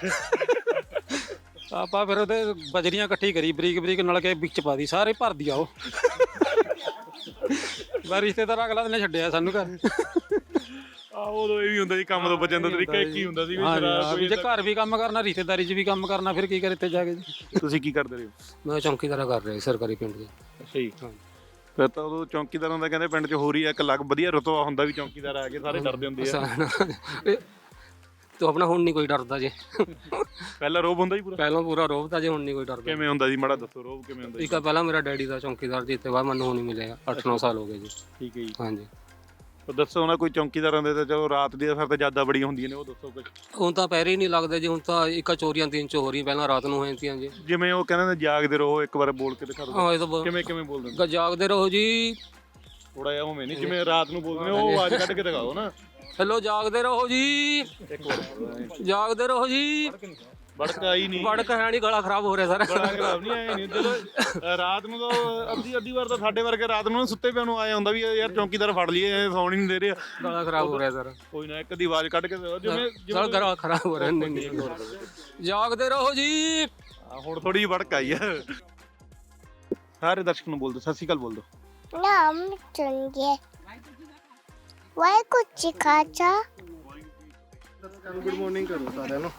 S4: ਆਪਾਂ ਫਿਰ ਉਹਦੇ ਬਜਰੀਆਂ ਇਕੱਠੀ ਕਰੀ, ਬਰੀਕ ਬਰੀਕ ਨਲਕੇ ਵਿੱਚ ਪਾ ਦੀ, ਸਾਰੇ ਭਰ ਦਿਆ ਉਹ। ਮੈਂ ਰਿਸ਼ਤੇਦਾਰ ਅਗਲਾ ਦਿਨ ਛੱਡਿਆ ਸਾਨੂੰ ਘਰ।
S1: ਉਦੋਂ ਇਹ ਵੀ ਹੁੰਦਾ ਜੀ, ਕੰਮ ਤੋਂ ਬਚਣ ਦਾ ਤਰੀਕਾ ਇੱਕ ਹੀ ਹੁੰਦਾ ਸੀ ਵੀ
S4: ਜੇ ਘਰ ਵੀ ਕੰਮ ਕਰਨਾ, ਰਿਸ਼ਤੇਦਾਰੀ 'ਚ ਵੀ ਕੰਮ ਕਰਨਾ, ਫਿਰ ਕੀ ਕਰ ਇੱਥੇ ਜਾ ਕੇ ਜੀ।
S1: ਤੁਸੀਂ ਕੀ ਕਰਦੇ ਰਹੇ ਹੋ?
S4: ਮੈਂ ਚੌਂਕੀਦਾਰਾ ਕਰ ਰਿਹਾ ਸਰਕਾਰੀ ਪਿੰਡ ਦੇ।
S1: ਅੱਛਾ ਜੀ। ਫਿਰ ਤਾਂ ਉਦੋਂ ਚੌਂਕੀਦਾਰਾਂ ਦਾ ਕਹਿੰਦੇ ਪਿੰਡ 'ਚ ਹੋਰ ਹੀ ਇੱਕ ਅਲੱਗ ਵਧੀਆ ਰੁਤਬਾ ਹੁੰਦਾ ਵੀ ਚੌਂਕੀਦਾਰ ਆ ਕੇ ਸਾਰੇ ਡਰਦੇ ਹੁੰਦੇ ਆ।
S4: ਤੋ ਆਪਣਾ ਹੁਣ ਨਹੀਂ ਕੋਈ ਡਰਦਾ ਜੇ।
S1: ਪਹਿਲਾਂ ਰੋਬ ਹੁੰਦਾ ਜੀ ਪੂਰਾ?
S4: ਪਹਿਲਾਂ ਪੂਰਾ ਰੋਬ ਤਾਂ ਜੇ, ਹੁਣ ਨਹੀਂ ਕੋਈ ਡਰਦਾ।
S1: ਕਿਵੇਂ ਹੁੰਦਾ ਜੀ, ਮਾੜਾ ਦੱਸੋ ਰੋਬ ਕਿਵੇਂ ਹੁੰਦਾ?
S4: ਇੱਕ ਪਹਿਲਾਂ ਮੇਰਾ ਡੈਡੀ ਦਾ ਚੌਂਕੀਦਾਰ ਜੀ, ਇੱਥੇ ਬਾਅਦ ਮੈਨੂੰ ਹੁਣ ਹੀ ਮਿਲਿਆ, 8-9 ਸਾਲ ਹੋ ਗਏ ਜੀ।
S1: ਠੀਕ ਹੈ ਜੀ।
S4: ਹਾਂਜੀ।
S1: ਦੱਸੋ ਨਾ ਕੋਈ ਚੌਂਕੀਦਾਰਾਂ ਦੇ ਤਾਂ ਚਲੋ ਰਾਤ ਦੀ ਫਿਰ ਤਾਂ ਜ਼ਿਆਦਾ ਬੜੀਆਂ ਹੁੰਦੀਆਂ ਨੇ, ਉਹ ਦੱਸੋ ਕੁਝ।
S4: ਹੁਣ ਤਾਂ ਪਹਿਰੇ ਹੀ ਨਹੀਂ ਲੱਗਦੇ ਜੀ, ਹੁਣ ਤਾਂ ਇੱਕ ਚੋਰੀਆਂ 3 ਹੋ ਰਹੀਆਂ, ਪਹਿਲਾਂ ਰਾਤ ਨੂੰ ਹੋ ਜਾਂਦੀਆਂ ਜੀ।
S1: ਜਿਵੇਂ ਉਹ ਕਹਿੰਦੇ ਨੇ ਜਾਗਦੇ ਰਹੋ, ਇੱਕ ਵਾਰ ਬੋਲ ਕੇ ਦਿਖਾ ਦਿਓ।
S4: ਹਾਂ, ਇਹ ਤਾਂ
S1: ਕਿਵੇਂ ਕਿਵੇਂ ਬੋਲਦੇ ਨੇ?
S4: ਜਾਗਦੇ ਰਹੋ ਜੀ।
S1: ਥੋੜਾ ਜਿਹਾ ਉਵੇਂ ਨਹੀਂ, ਜਿਵੇਂ ਰਾਤ ਨੂੰ ਬੋਲਦੇ ਨੇ ਉਹ ਆਵਾਜ਼ ਕੱਢ ਕੇ ਦਿਖਾਓ ਨਾ।
S4: ਹੈਲੋ, ਜਾਗਦੇ ਰਹੋ ਜੀ, ਜਾਗਦੇ ਰਹੋ ਜੀ।
S1: ਵੜਕ ਆਈ ਨਹੀਂ,
S4: ਵੜਕ ਹੈ ਨਹੀਂ, ਗਲਾ ਖਰਾਬ ਹੋ ਰਿਹਾ ਸਾਰਾ।
S1: ਗਲਾ ਖਰਾਬ ਨਹੀਂ ਆਇਆ ਨਹੀਂ। ਜਦੋਂ ਰਾਤ ਨੂੰ ਤਾਂ ਅੱਧੀ ਵਾਰ ਤਾਂ ਸਾਡੇ ਵਰਗੇ ਰਾਤ ਨੂੰ ਸੁੱਤੇ ਪਿਆ ਨੂੰ ਆਇਆ ਹੁੰਦਾ ਵੀ ਯਾਰ ਚੌਂਕੀਦਾਰ ਫੜ ਲਈਏ, ਸੌਣ ਹੀ ਨਹੀਂ ਦੇ ਰਿਹਾ,
S4: ਗਲਾ ਖਰਾਬ ਹੋ ਰਿਹਾ ਸਾਰਾ।
S1: ਕੋਈ ਨਾ ਇੱਕ ਅੱਧੀ ਆਵਾਜ਼ ਕੱਢ ਕੇ
S4: ਜਿਵੇਂ ਗਲਾ ਖਰਾਬ ਹੋ ਰਿਹਾ। ਨਹੀਂ, ਜਾਗਦੇ ਰਹੋ ਜੀ।
S1: ਹੁਣ ਥੋੜੀ ਜਿਹੀ ਵੜਕ ਆਈ ਹੈ। ਸਾਰੇ ਦਰਸ਼ਕ ਨੂੰ ਬੋਲ ਦਿਓ, ਸਤਿ ਸ਼੍ਰੀ ਅਕਾਲ ਬੋਲ ਦਿਓ।
S7: ਨਾਮ ਚੁਣਗੇ ਵਾਹਿਗੁਰੂ ਜੀ ਕਾ ਖਾਲਸਾ।
S8: ਗੁੱਡ ਮਾਰਨਿੰਗ ਕਰੋ ਸਾਰਿਆਂ ਨੂੰ।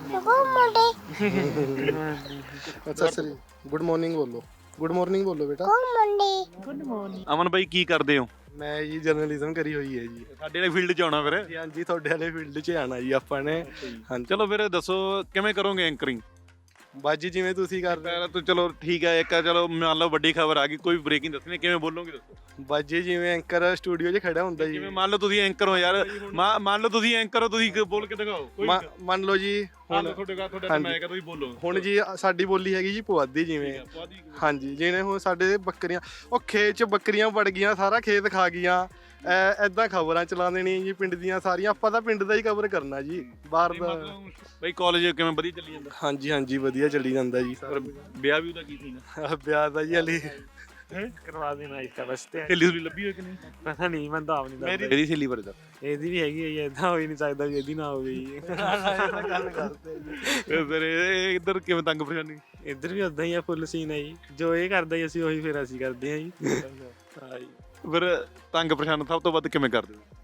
S8: ਅੱਛਾ ਸਰੀ, ਗੁੱਡ ਮਾਰਨਿੰਗ ਬੋਲੋ। ਗੁੱਡ ਮਾਰਨਿੰਗ ਬੋਲੋ ਬੇਟਾ।
S7: Good morning.
S1: ਅਮਨ ਬਾਈ ਕੀ ਕਰਦੇ ਹੋ?
S8: ਮੈਂ ਜੀ ਜਰਨਲਿਜ਼ਮ ਕਰੀ ਹੋਈ ਹੈ ਜੀ।
S1: ਸਾਡੇ ਵਾਲੇ ਫੀਲਡ 'ਚ ਆਉਣਾ ਫਿਰ?
S8: ਹਾਂਜੀ, ਤੁਹਾਡੇ ਵਾਲੇ ਫੀਲਡ 'ਚ ਆਉਣਾ ਜੀ ਆਪਾਂ ਨੇ। ਹਾਂਜੀ,
S1: ਚਲੋ ਫਿਰ ਦੱਸੋ ਕਿਵੇਂ ਕਰੋਗੇ ਐਂਕਰਿੰਗ?
S8: ਬਾਜੀ ਜਿਵੇਂ ਤੁਸੀਂ ਕਰ ਰਹੇ
S1: ਹੋ। ਚਲੋ ਠੀਕ ਹੈ, ਇੱਕ ਚਲੋ ਮੰਨ ਲਓ ਵੱਡੀ ਖਬਰ ਆ ਗਈ, ਕੋਈ ਬ੍ਰੇਕਿੰਗ ਦੱਸਣੀ, ਕਿਵੇਂ ਬੋਲੋਗੇ ਦੱਸੋ?
S8: ਬਾਜੀ ਜਿਵੇਂ ਐਂਕਰ ਸਟੂਡੀਓ 'ਚ ਖੜਾ ਹੁੰਦਾ ਜੀ।
S1: ਜਿਵੇਂ ਮੰਨ ਲਓ ਤੁਸੀਂ ਐਂਕਰ ਹੋ ਯਾਰ, ਮੰਨ ਲਓ ਤੁਸੀਂ ਐਂਕਰ ਹੋ, ਤੁਸੀਂ ਬੋਲ ਕੇ ਦਿਖਾਓ।
S8: ਮੰਨ ਲਓ ਜੀ ਹੁਣ
S1: ਤੁਹਾਡੇ ਮੈਂ ਤੁਸੀਂ ਬੋਲੋ।
S8: ਹੁਣ ਜੀ ਸਾਡੀ ਬੋਲੀ ਹੈਗੀ ਜੀ ਪੁਆਧੀ। ਜਿਵੇਂ ਹਾਂਜੀ, ਜਿਵੇਂ ਹੁਣ ਸਾਡੇ ਬੱਕਰੀਆਂ, ਉਹ ਖੇਤ 'ਚ ਬੱਕਰੀਆਂ ਵੜ ਗਈਆਂ, ਸਾਰਾ ਖੇਤ ਖਾ ਗਈਆਂ, ਐਦਾਂ ਖਬਰਾਂ ਚਲਾ ਦੇਣੀਆਂ ਜੀ ਪਿੰਡ ਦੀਆਂ ਸਾਰੀਆਂ। ਆਪਾਂ ਤਾਂ ਪਿੰਡ ਦਾ ਹੀ ਕਵਰ ਕਰਨਾ ਜੀ, ਬਾਹਰ ਦਾ।
S1: ਬਈ ਕਾਲਜ ਕਿਵੇਂ ਵਧੀਆ ਚੱਲੀ ਜਾਂਦਾ?
S8: ਹਾਂਜੀ ਹਾਂਜੀ, ਵਧੀਆ ਚੱਲੀ ਜਾਂਦਾ ਜੀ।
S1: ਵਿਆਹ ਵੀ ਉਹਦਾ ਕੀ ਸੀ?
S8: ਵਿਆਹ ਦਾ ਜੀ ਹਲੀ
S9: ਕਰਵਾ ਦੇਣਾ ਇਸ ਵਾਸਤੇ।
S1: ਸਹੇਲੀ ਸੁਲੀ ਲੱਭੀ ਹੋਈ ਕਿ ਨਹੀਂ?
S9: ਪਤਾ ਨਹੀਂ, ਮੈਂ ਤਾਂ ਆਪ ਨਹੀਂ ਦੱਸਦਾ।
S1: ਮੇਰੀ ਸਹੇਲੀ ਬਾਰੇ ਦੱਸ।
S9: ਇਹਦੀ ਵੀ ਹੈਗੀ ਹੈ, ਏਦਾਂ ਹੋ ਹੀ ਨਹੀਂ ਸਕਦਾ ਵੀ ਇਹਦੀ ਨਾ ਹੋਵੇ ਜੀ।
S8: ਗੱਲ ਕਰਦੇ ਜੀ।
S1: ਫਿਰ ਇਹ ਇੱਧਰ ਕਿਵੇਂ ਤੰਗ ਪਰੇਸ਼ਾਨੀ?
S9: ਇੱਧਰ ਵੀ ਉਦਾਂ ਹੀ ਆ, ਫੁੱਲ ਸੀਨ ਹੈ ਜੀ। ਜੋ ਇਹ ਕਰਦਾ ਜੀ ਅਸੀਂ ਉਹੀ ਫਿਰ ਅਸੀਂ ਕਰਦੇ ਹਾਂ ਜੀ।
S1: ਫਿਰ ਤੰਗ ਪਰੇਸ਼ਾਨ ਸਭ ਤੋਂ ਵੱਧ ਕਿਵੇਂ ਕਰਦੇ ਹੋ?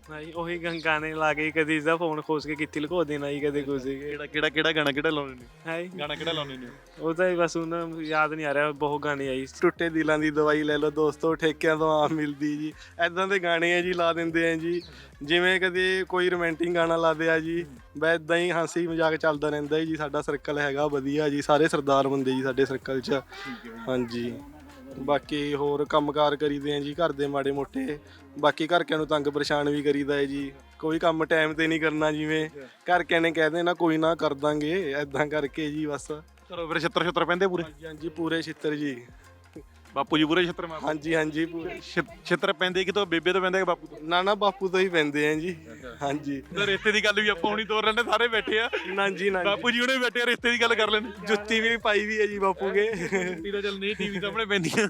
S9: ਭਾਈ ਉਹੀ ਗਾਣੇ ਲਾ ਕੇ ਕਦੀ ਇਸਦਾ ਫੋਨ ਖੋਸ ਕੇ ਕਿੱਥੇ ਲੁਕੋ ਦੇਣਾ ਜੀ, ਕਦੇ ਕੁਝ
S1: ਕਿਹੜਾ ਗਾਣਾ ਕਿਹੜਾ ਲਾਉਂਦੇ ਨੇ?
S9: ਹੈ
S1: ਗਾਣਾ ਕਿਹੜਾ ਲਾਉਂਦੇ ਨੇ?
S9: ਉਹ ਤਾਂ ਬਸ ਉਹਨਾਂ ਨੂੰ ਯਾਦ ਨਹੀਂ ਆ ਰਿਹਾ, ਬਹੁਤ ਗਾਣੇ ਆਈ। ਟੁੱਟੇ ਦਿਲਾਂ ਦੀ ਦਵਾਈ ਲੈ ਲਓ ਦੋਸਤੋ, ਠੇਕਿਆਂ ਤੋਂ ਆਮ ਮਿਲਦੀ ਜੀ, ਐਦਾਂ ਦੇ ਗਾਣੇ ਆ ਜੀ ਲਾ ਦਿੰਦੇ ਆ ਜੀ। ਜਿਵੇਂ ਕਦੇ ਕੋਈ ਰੋਮਾਂਟਿਕ ਗਾਣਾ ਲਾਦੇ ਆ ਜੀ, ਬਸ ਇੱਦਾਂ ਹੀ ਹਾਸੀ ਮਜ਼ਾਕ ਚੱਲਦਾ ਰਹਿੰਦਾ ਜੀ। ਸਾਡਾ ਸਰਕਲ ਹੈਗਾ ਵਧੀਆ ਜੀ, ਸਾਰੇ ਸਰਦਾਰ ਬੰਦੇ ਜੀ ਸਾਡੇ ਸਰਕਲ 'ਚ। ਹਾਂਜੀ, ਬਾਕੀ ਹੋਰ ਕੰਮਕਾਰ ਕਰੀਦੇ ਆ ਜੀ ਘਰ ਦੇ ਮਾੜੇ ਮੋਟੇ। ਬਾਕੀ ਘਰਕਿਆਂ ਨੂੰ ਤੰਗ ਪਰੇਸ਼ਾਨ ਵੀ ਕਰੀਦਾ ਹੈ ਜੀ, ਕੋਈ ਕੰਮ ਟਾਈਮ ਤੇ ਨਹੀਂ ਕਰਨਾ, ਜਿਵੇਂ ਘਰਕਿਆਂ ਨੇ ਕਹਿ ਦੇਣਾ ਕੋਈ ਨਾ ਕਰ ਦਾਂਗੇ, ਐਦਾਂ ਕਰਕੇ ਜੀ ਬਸ।
S1: ਚਲੋ ਫਿਰ ਛਿੱਤਰ ਪੈਂਦੇ ਪੂਰੇ?
S8: ਹਾਂਜੀ ਪੂਰੇ ਛਿੱਤਰ ਜੀ।
S1: ਬਾਪੂ ਜੀ ਪੂਰੇ ਛਿੱਤਰ ਮਾਰਦੇ?
S8: ਹਾਂਜੀ ਹਾਂਜੀ ਪੂਰੇ
S1: ਛਿੱਤਰ ਪੈਂਦੇ ਕਿਤੋਂ, ਬੇਬੇ ਤੋਂ ਪੈਂਦੇ ਕਿ ਬਾਪੂ ਤੋਂ?
S8: ਨਾ ਬਾਪੂ ਤੋਂ ਹੀ ਪੈਂਦੇ ਆ ਜੀ। ਹਾਂਜੀ,
S1: ਰਿਸ਼ਤੇ ਦੀ ਗੱਲ ਵੀ ਆਪਾਂ ਹੁਣੀ ਤੋਰ ਲੈਂਦੇ, ਸਾਰੇ ਬੈਠੇ ਆ।
S8: ਨਾ ਜੀ ਨਾ,
S1: ਬਾਪੂ ਜੀ ਹੁਣੇ ਬੈਠੇ ਆ, ਰਿਸ਼ਤੇ ਦੀ ਗੱਲ ਕਰ ਲੈਂਦੇ।
S8: ਜੁੱਤੀ ਵੀ ਪਾਈ ਵੀ ਹੈ ਜੀ ਬਾਪੂ ਕੇ।
S1: ਜੁੱਤੀ ਤਾਂ ਚੱਲ ਨਹੀਂ ਟੀਵੀ ਸਾਹਮਣੇ ਪੈਂਦੀਆਂ।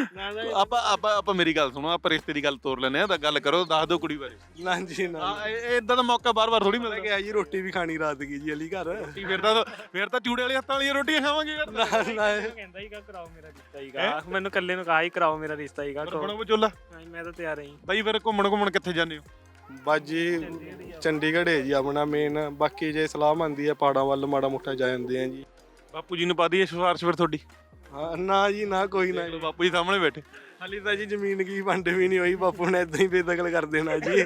S1: ਆਪਾਂ ਮੇਰੀ ਗੱਲ ਸੁਣੋ, ਆਪਾਂ ਰਿਸ਼ਤੇ ਦੀ ਗੱਲ ਤੋਰ ਲੈਂਦੇ ਆ, ਤਾਂ ਗੱਲ ਕਰੋ, ਦੱਸ ਦਿਓ ਕੁੜੀ ਬਾਰੇ।
S8: ਨਾ ਜੀ ਨਾ,
S1: ਇਦਾਂ ਦਾ ਮੌਕਾ ਬਾਰ-ਬਾਰ ਥੋੜੀ ਮਿਲਦਾ।
S8: ਕਿ ਜੀ ਰੋਟੀ ਵੀ ਖਾਣੀ ਰਾਤ ਕੀ ਜੀ ਅਲੀ ਘਰ।
S1: ਫਿਰ ਤਾਂ ਚੂੜੇ ਵਾਲੇ ਹੱਥਾਂ ਵਾਲੀਆਂ ਰੋਟੀਆਂ ਖਾਵਾਂਗੇ ਯਾਰ।
S9: ਕਹਿੰਦਾ ਹੀਗਾ ਕਰਾਓ ਮੇਰਾ ਰਿਸ਼ਤਾ ਹੀਗਾ, ਮੈਨੂੰ ਇਕੱਲੇ ਨੂੰ ਕਹਾ ਹੀ ਕਰਾਓ ਮੇਰਾ ਰਿਸ਼ਤਾ ਹੀਗਾ।
S1: ਬਣੋ ਵਿਚੋਲਾ?
S9: ਮੈਂ ਤਾਂ ਤਿਆਰ ਹਾਂ
S1: ਬਾਈ। ਫਿਰ ਘੁੰਮਣ ਕਿੱਥੇ ਜਾਂਦੇ ਹੋ?
S8: ਬਾਜੀ ਚੰਡੀਗੜ੍ਹ ਹੈ ਜੀ ਆਪਣਾ ਮੇਨ, ਬਾਕੀ ਜੇ ਸਲਾਹ ਮੰਦੀ ਹੈ ਪਹਾੜਾਂ ਵੱਲ ਮਾੜਾ ਮੋਟਾ ਜਾ ਜਾਂਦੇ ਆ ਜੀ।
S1: ਬਾਪੂ ਜੀ ਨੂੰ ਪਾ ਦਈਏ ਸਿਫਾਰਿਸ਼ ਫਿਰ ਤੁਹਾਡੀ?
S8: ਹਾਂ ਨਾ ਜੀ ਨਾ, ਕੋਈ ਨਾ।
S1: ਬਾਪੂ ਜੀ ਸਾਹਮਣੇ ਬੈਠੇ।
S8: ਹਾਲੀ ਤਾਂ ਜੀ ਜ਼ਮੀਨ ਕੀ ਵੰਡ ਵੀ ਨਹੀਂ ਹੋਈ, ਬਾਪੂ ਨੇ ਏਦਾਂ ਹੀ ਬੇਦਖਲ ਕਰ ਦੇਣਾ ਜੀ।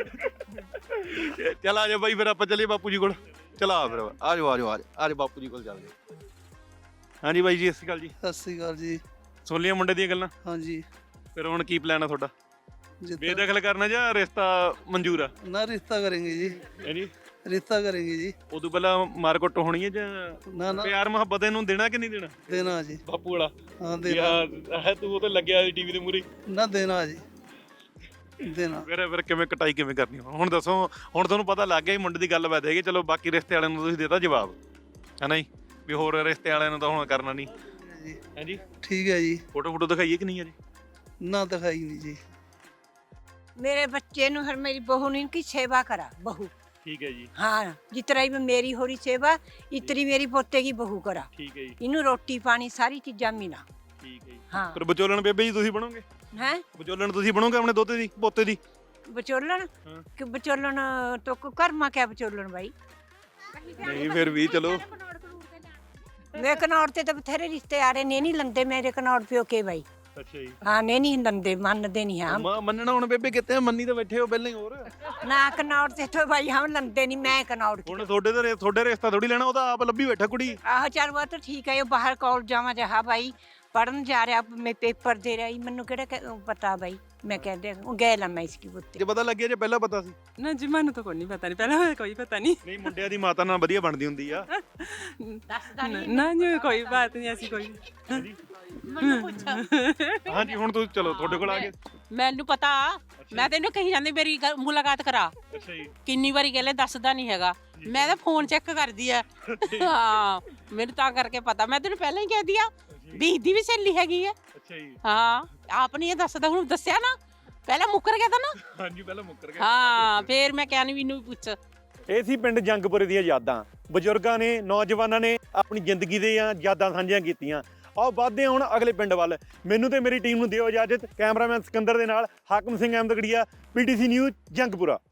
S1: ਚੱਲ ਆ ਜਾ ਬਾਈ, ਫਿਰ ਆਪਾਂ ਚੱਲੀਏ ਬਾਪੂ ਜੀ ਕੋਲ। ਚਲਾ ਫਿਰ ਆ ਜਾਓ ਬਾਪੂ ਜੀ ਕੋਲ ਚੱਲਦੇ। ਹਾਂਜੀ ਬਾਈ ਜੀ, ਸਤਿ ਸ਼੍ਰੀ ਅਕਾਲ ਜੀ।
S14: ਸਤਿ ਸ਼੍ਰੀ ਅਕਾਲ ਜੀ।
S1: ਸੁਣ ਲਿਆ ਮੁੰਡੇ ਦੀਆਂ ਗੱਲਾਂ?
S14: ਹਾਂਜੀ।
S1: ਫਿਰ ਹੁਣ ਕੀ ਪਲਾਨ ਆ ਤੁਹਾਡਾ? ਬੇਦਖਲ ਕਰਨਾ ਜਾਂ ਰਿਸ਼ਤਾ ਮਨਜ਼ੂਰ ਆ?
S14: ਨਾ ਰਿਸ਼ਤਾ ਕਰਾਂਗੇ ਜੀ।
S1: ਜੀ
S14: ਰਿਸ਼ਤਾ ਕਰਾਂਗੇ ਜੀ।
S1: ਉਦੋਂ ਪਹਿਲਾਂ ਮਾਰਕੁੱਟ ਹੋਣੀ ਹੈ ਜਾਂ
S14: ਨਾ
S1: ਪਿਆਰ ਮੁਹੱਬਤ ਇਹਨੂੰ ਦੇਣਾ ਕਿ ਨਹੀਂ ਦੇਣਾ?
S14: ਦੇਣਾ ਜੀ।
S1: ਬਾਪੂ ਵਾਲਾ?
S14: ਹਾਂ ਦੇਣਾ।
S1: ਤੂੰ ਉਹ ਤੇ ਲੱਗਿਆ ਟੀਵੀ ਦੇ ਮੂਹਰੇ।
S14: ਨਾ ਦੇਣਾ ਜੀ, ਦੇਣਾ।
S1: ਫਿਰ ਕਿਵੇਂ ਕਟਾਈ ਕਿਵੇਂ ਕਰਨੀ ਹੁਣ ਦੱਸੋ? ਹੁਣ ਤੁਹਾਨੂੰ ਪਤਾ ਲੱਗ ਗਿਆ ਮੁੰਡੇ ਦੀ ਗੱਲਬਾਤ ਹੈਗੀ। ਚਲੋ ਬਾਕੀ ਰਿਸ਼ਤੇ ਵਾਲਿਆਂ ਨੂੰ ਤੁਸੀਂ ਦੇਤਾ ਜਵਾਬ, ਹੈ ਨਾ ਜੀ, ਵੀ ਹੋਰ ਰਿਸ਼ਤੇ ਵਾਲਿਆਂ ਨੂੰ ਤਾਂ ਹੁਣ ਕਰਨਾ ਨਹੀਂ ਹੈ ਜੀ।
S14: ਠੀਕ ਹੈ ਜੀ।
S1: ਫੋਟੋ ਦਿਖਾਈਏ ਕਿ ਨਹੀਂ ਅਜੇ?
S14: ਨਾ ਦਿਖਾਈ ਨਹੀਂ ਜੀ।
S12: मेरे बच्चे नु हर मेरी बहू ने इनकी सेवा करा, बहू।
S1: ठीक है जी।
S12: हाँ, जितना ही मेरी हो रही सेवा इतनी मेरी पोते की बहू करा।
S1: ठीक है जी।
S12: इन्हू रोटी पानी सारी चीजा मिला।
S1: ठीक है जी।
S12: हाँ।
S1: पर विचोलन बेबे जी तुसी बनोगे?
S12: हैं?
S1: विचोलन तुसी बनोगे अपने दोते दी पोते दी?
S12: विचोलन? कि विचोलन तो कर्मा क्या विचोलन भाई?
S1: नहीं फिर भी चलो।
S12: मैं कनौर ते तो बथेरे रिश्ते आ रहे ने नहीं लंदे मेरे कनौर प्यो के भाई।
S1: अच्छा जी।
S12: हाँ ने नहीं लंदे, मनदे नहीं हम।
S1: मनना हुण बेबे किते मन्नी तो बैठे हो पहले ही। और
S12: ना कनौर ते तो भाई हम लंदे नहीं, मैं कनौर की।
S1: हुण थोड़े रिश्ता थोड़ी लेना, ओदा आप लब्भी बैठा कुड़ी।
S12: आहो चल वो तो ठीक है, वो बाहर कॉलेज जावा जहा भाई पढ़न जा रहा, मैं पेपर दे रहा, मैनू केड़ा पता भाई, मैं कह दे गए ला मैं इसकी पुत्ते।
S1: जे पता लग गया, जे पहला पता सी?
S5: ਨਾ ਜੀ ਮੈਨੂੰ ਤਾਂ ਕੋਈ ਨਹੀਂ ਪਤਾ, ਨਹੀਂ ਪਹਿਲਾਂ ਕੋਈ ਪਤਾ ਨਹੀਂ।
S1: ਨਹੀਂ ਮੁੰਡਿਆਂ ਦੀ ਮਾਤਾ ਨਾਲ ਵਧੀਆ ਬਣਦੀ ਹੁੰਦੀ ਆ।
S5: ਨਾ ਜੀ ਕੋਈ ਬਾਤ ਨਹੀਂ ਐਸੀ ਕੋਈ।
S1: ਮੈਨੂੰ ਪੁੱਛਾ। ਹਾਂਜੀ ਹੁਣ ਤੁਸੀਂ ਚਲੋ ਤੁਹਾਡੇ ਕੋਲ ਆ ਗਏ।
S5: ਮੈਨੂੰ ਪਤਾ, ਮੈਂ ਤੈਨੂੰ ਕਹੀ ਜਾਂਦੀ ਮੇਰੀ ਮੁਲਾਕਾਤ ਕਰਾ।
S1: ਅੱਛਾ ਜੀ।
S5: ਕਿੰਨੀ ਵਾਰੀ ਕਹਿੰਦੇ ਦੱਸਦਾ ਨਹੀਂ ਹੈਗਾ, ਮੈਂ ਤਾਂ ਫੋਨ ਚੈੱਕ ਕਰਦੀ ਆ। ਹਾਂ ਮੈਨੂੰ ਤਾਂ ਕਰਕੇ ਪਤਾ, ਮੈਂ ਤੈਨੂੰ ਪਹਿਲਾਂ ਹੀ ਕਹਿ ਦਿਆ ਵੀ ਦੀ ਵੀ ਸਹੇਲੀ ਹੈਗੀ ਆ।
S1: ਅੱਛਾ ਜੀ।
S5: ਹਾਂ ਆਪ ਨਹੀਂ ਇਹ ਦੱਸਦਾ, ਹੁਣ ਦੱਸਿਆ ਨਾ, ਪਹਿਲਾਂ ਮੁੱਕਰ ਗਿਆ ਤਾਂ ਨਾ।
S1: ਹਾਂਜੀ ਪਹਿਲਾਂ ਮੁੱਕਰ ਗਿਆ।
S5: ਹਾਂ ਫੇਰ ਮੈਂ ਕਿਹਾ ਨਹੀਂ ਮੈਨੂੰ ਪੁੱਛ।
S1: ਇਹ ਸੀ ਪਿੰਡ ਜੰਗਪੁਰੇ ਦੀਆਂ ਯਾਦਾਂ। ਬਜ਼ੁਰਗਾਂ ਨੇ, ਨੌਜਵਾਨਾਂ ਨੇ ਆਪਣੀ ਜ਼ਿੰਦਗੀ ਦੀਆਂ ਯਾਦਾਂ ਸਾਂਝੀਆਂ ਕੀਤੀਆਂ। ਆਓ ਵੱਧਦੇ ਹਾਂ ਹੁਣ ਅਗਲੇ ਪਿੰਡ ਵੱਲ। ਮੈਨੂੰ ਤੇ ਮੇਰੀ ਟੀਮ ਨੂੰ ਦਿਓ ਇਜਾਜ਼ਤ। ਕੈਮਰਾਮੈਨ ਸਿਕੰਦਰ ਦੇ ਨਾਲ ਹਾਕਮ ਸਿੰਘ ਅਹਿਮਦਗੜੀਆ, PTC ਨਿਊਜ਼ ਜੰਗਪੁਰਾ।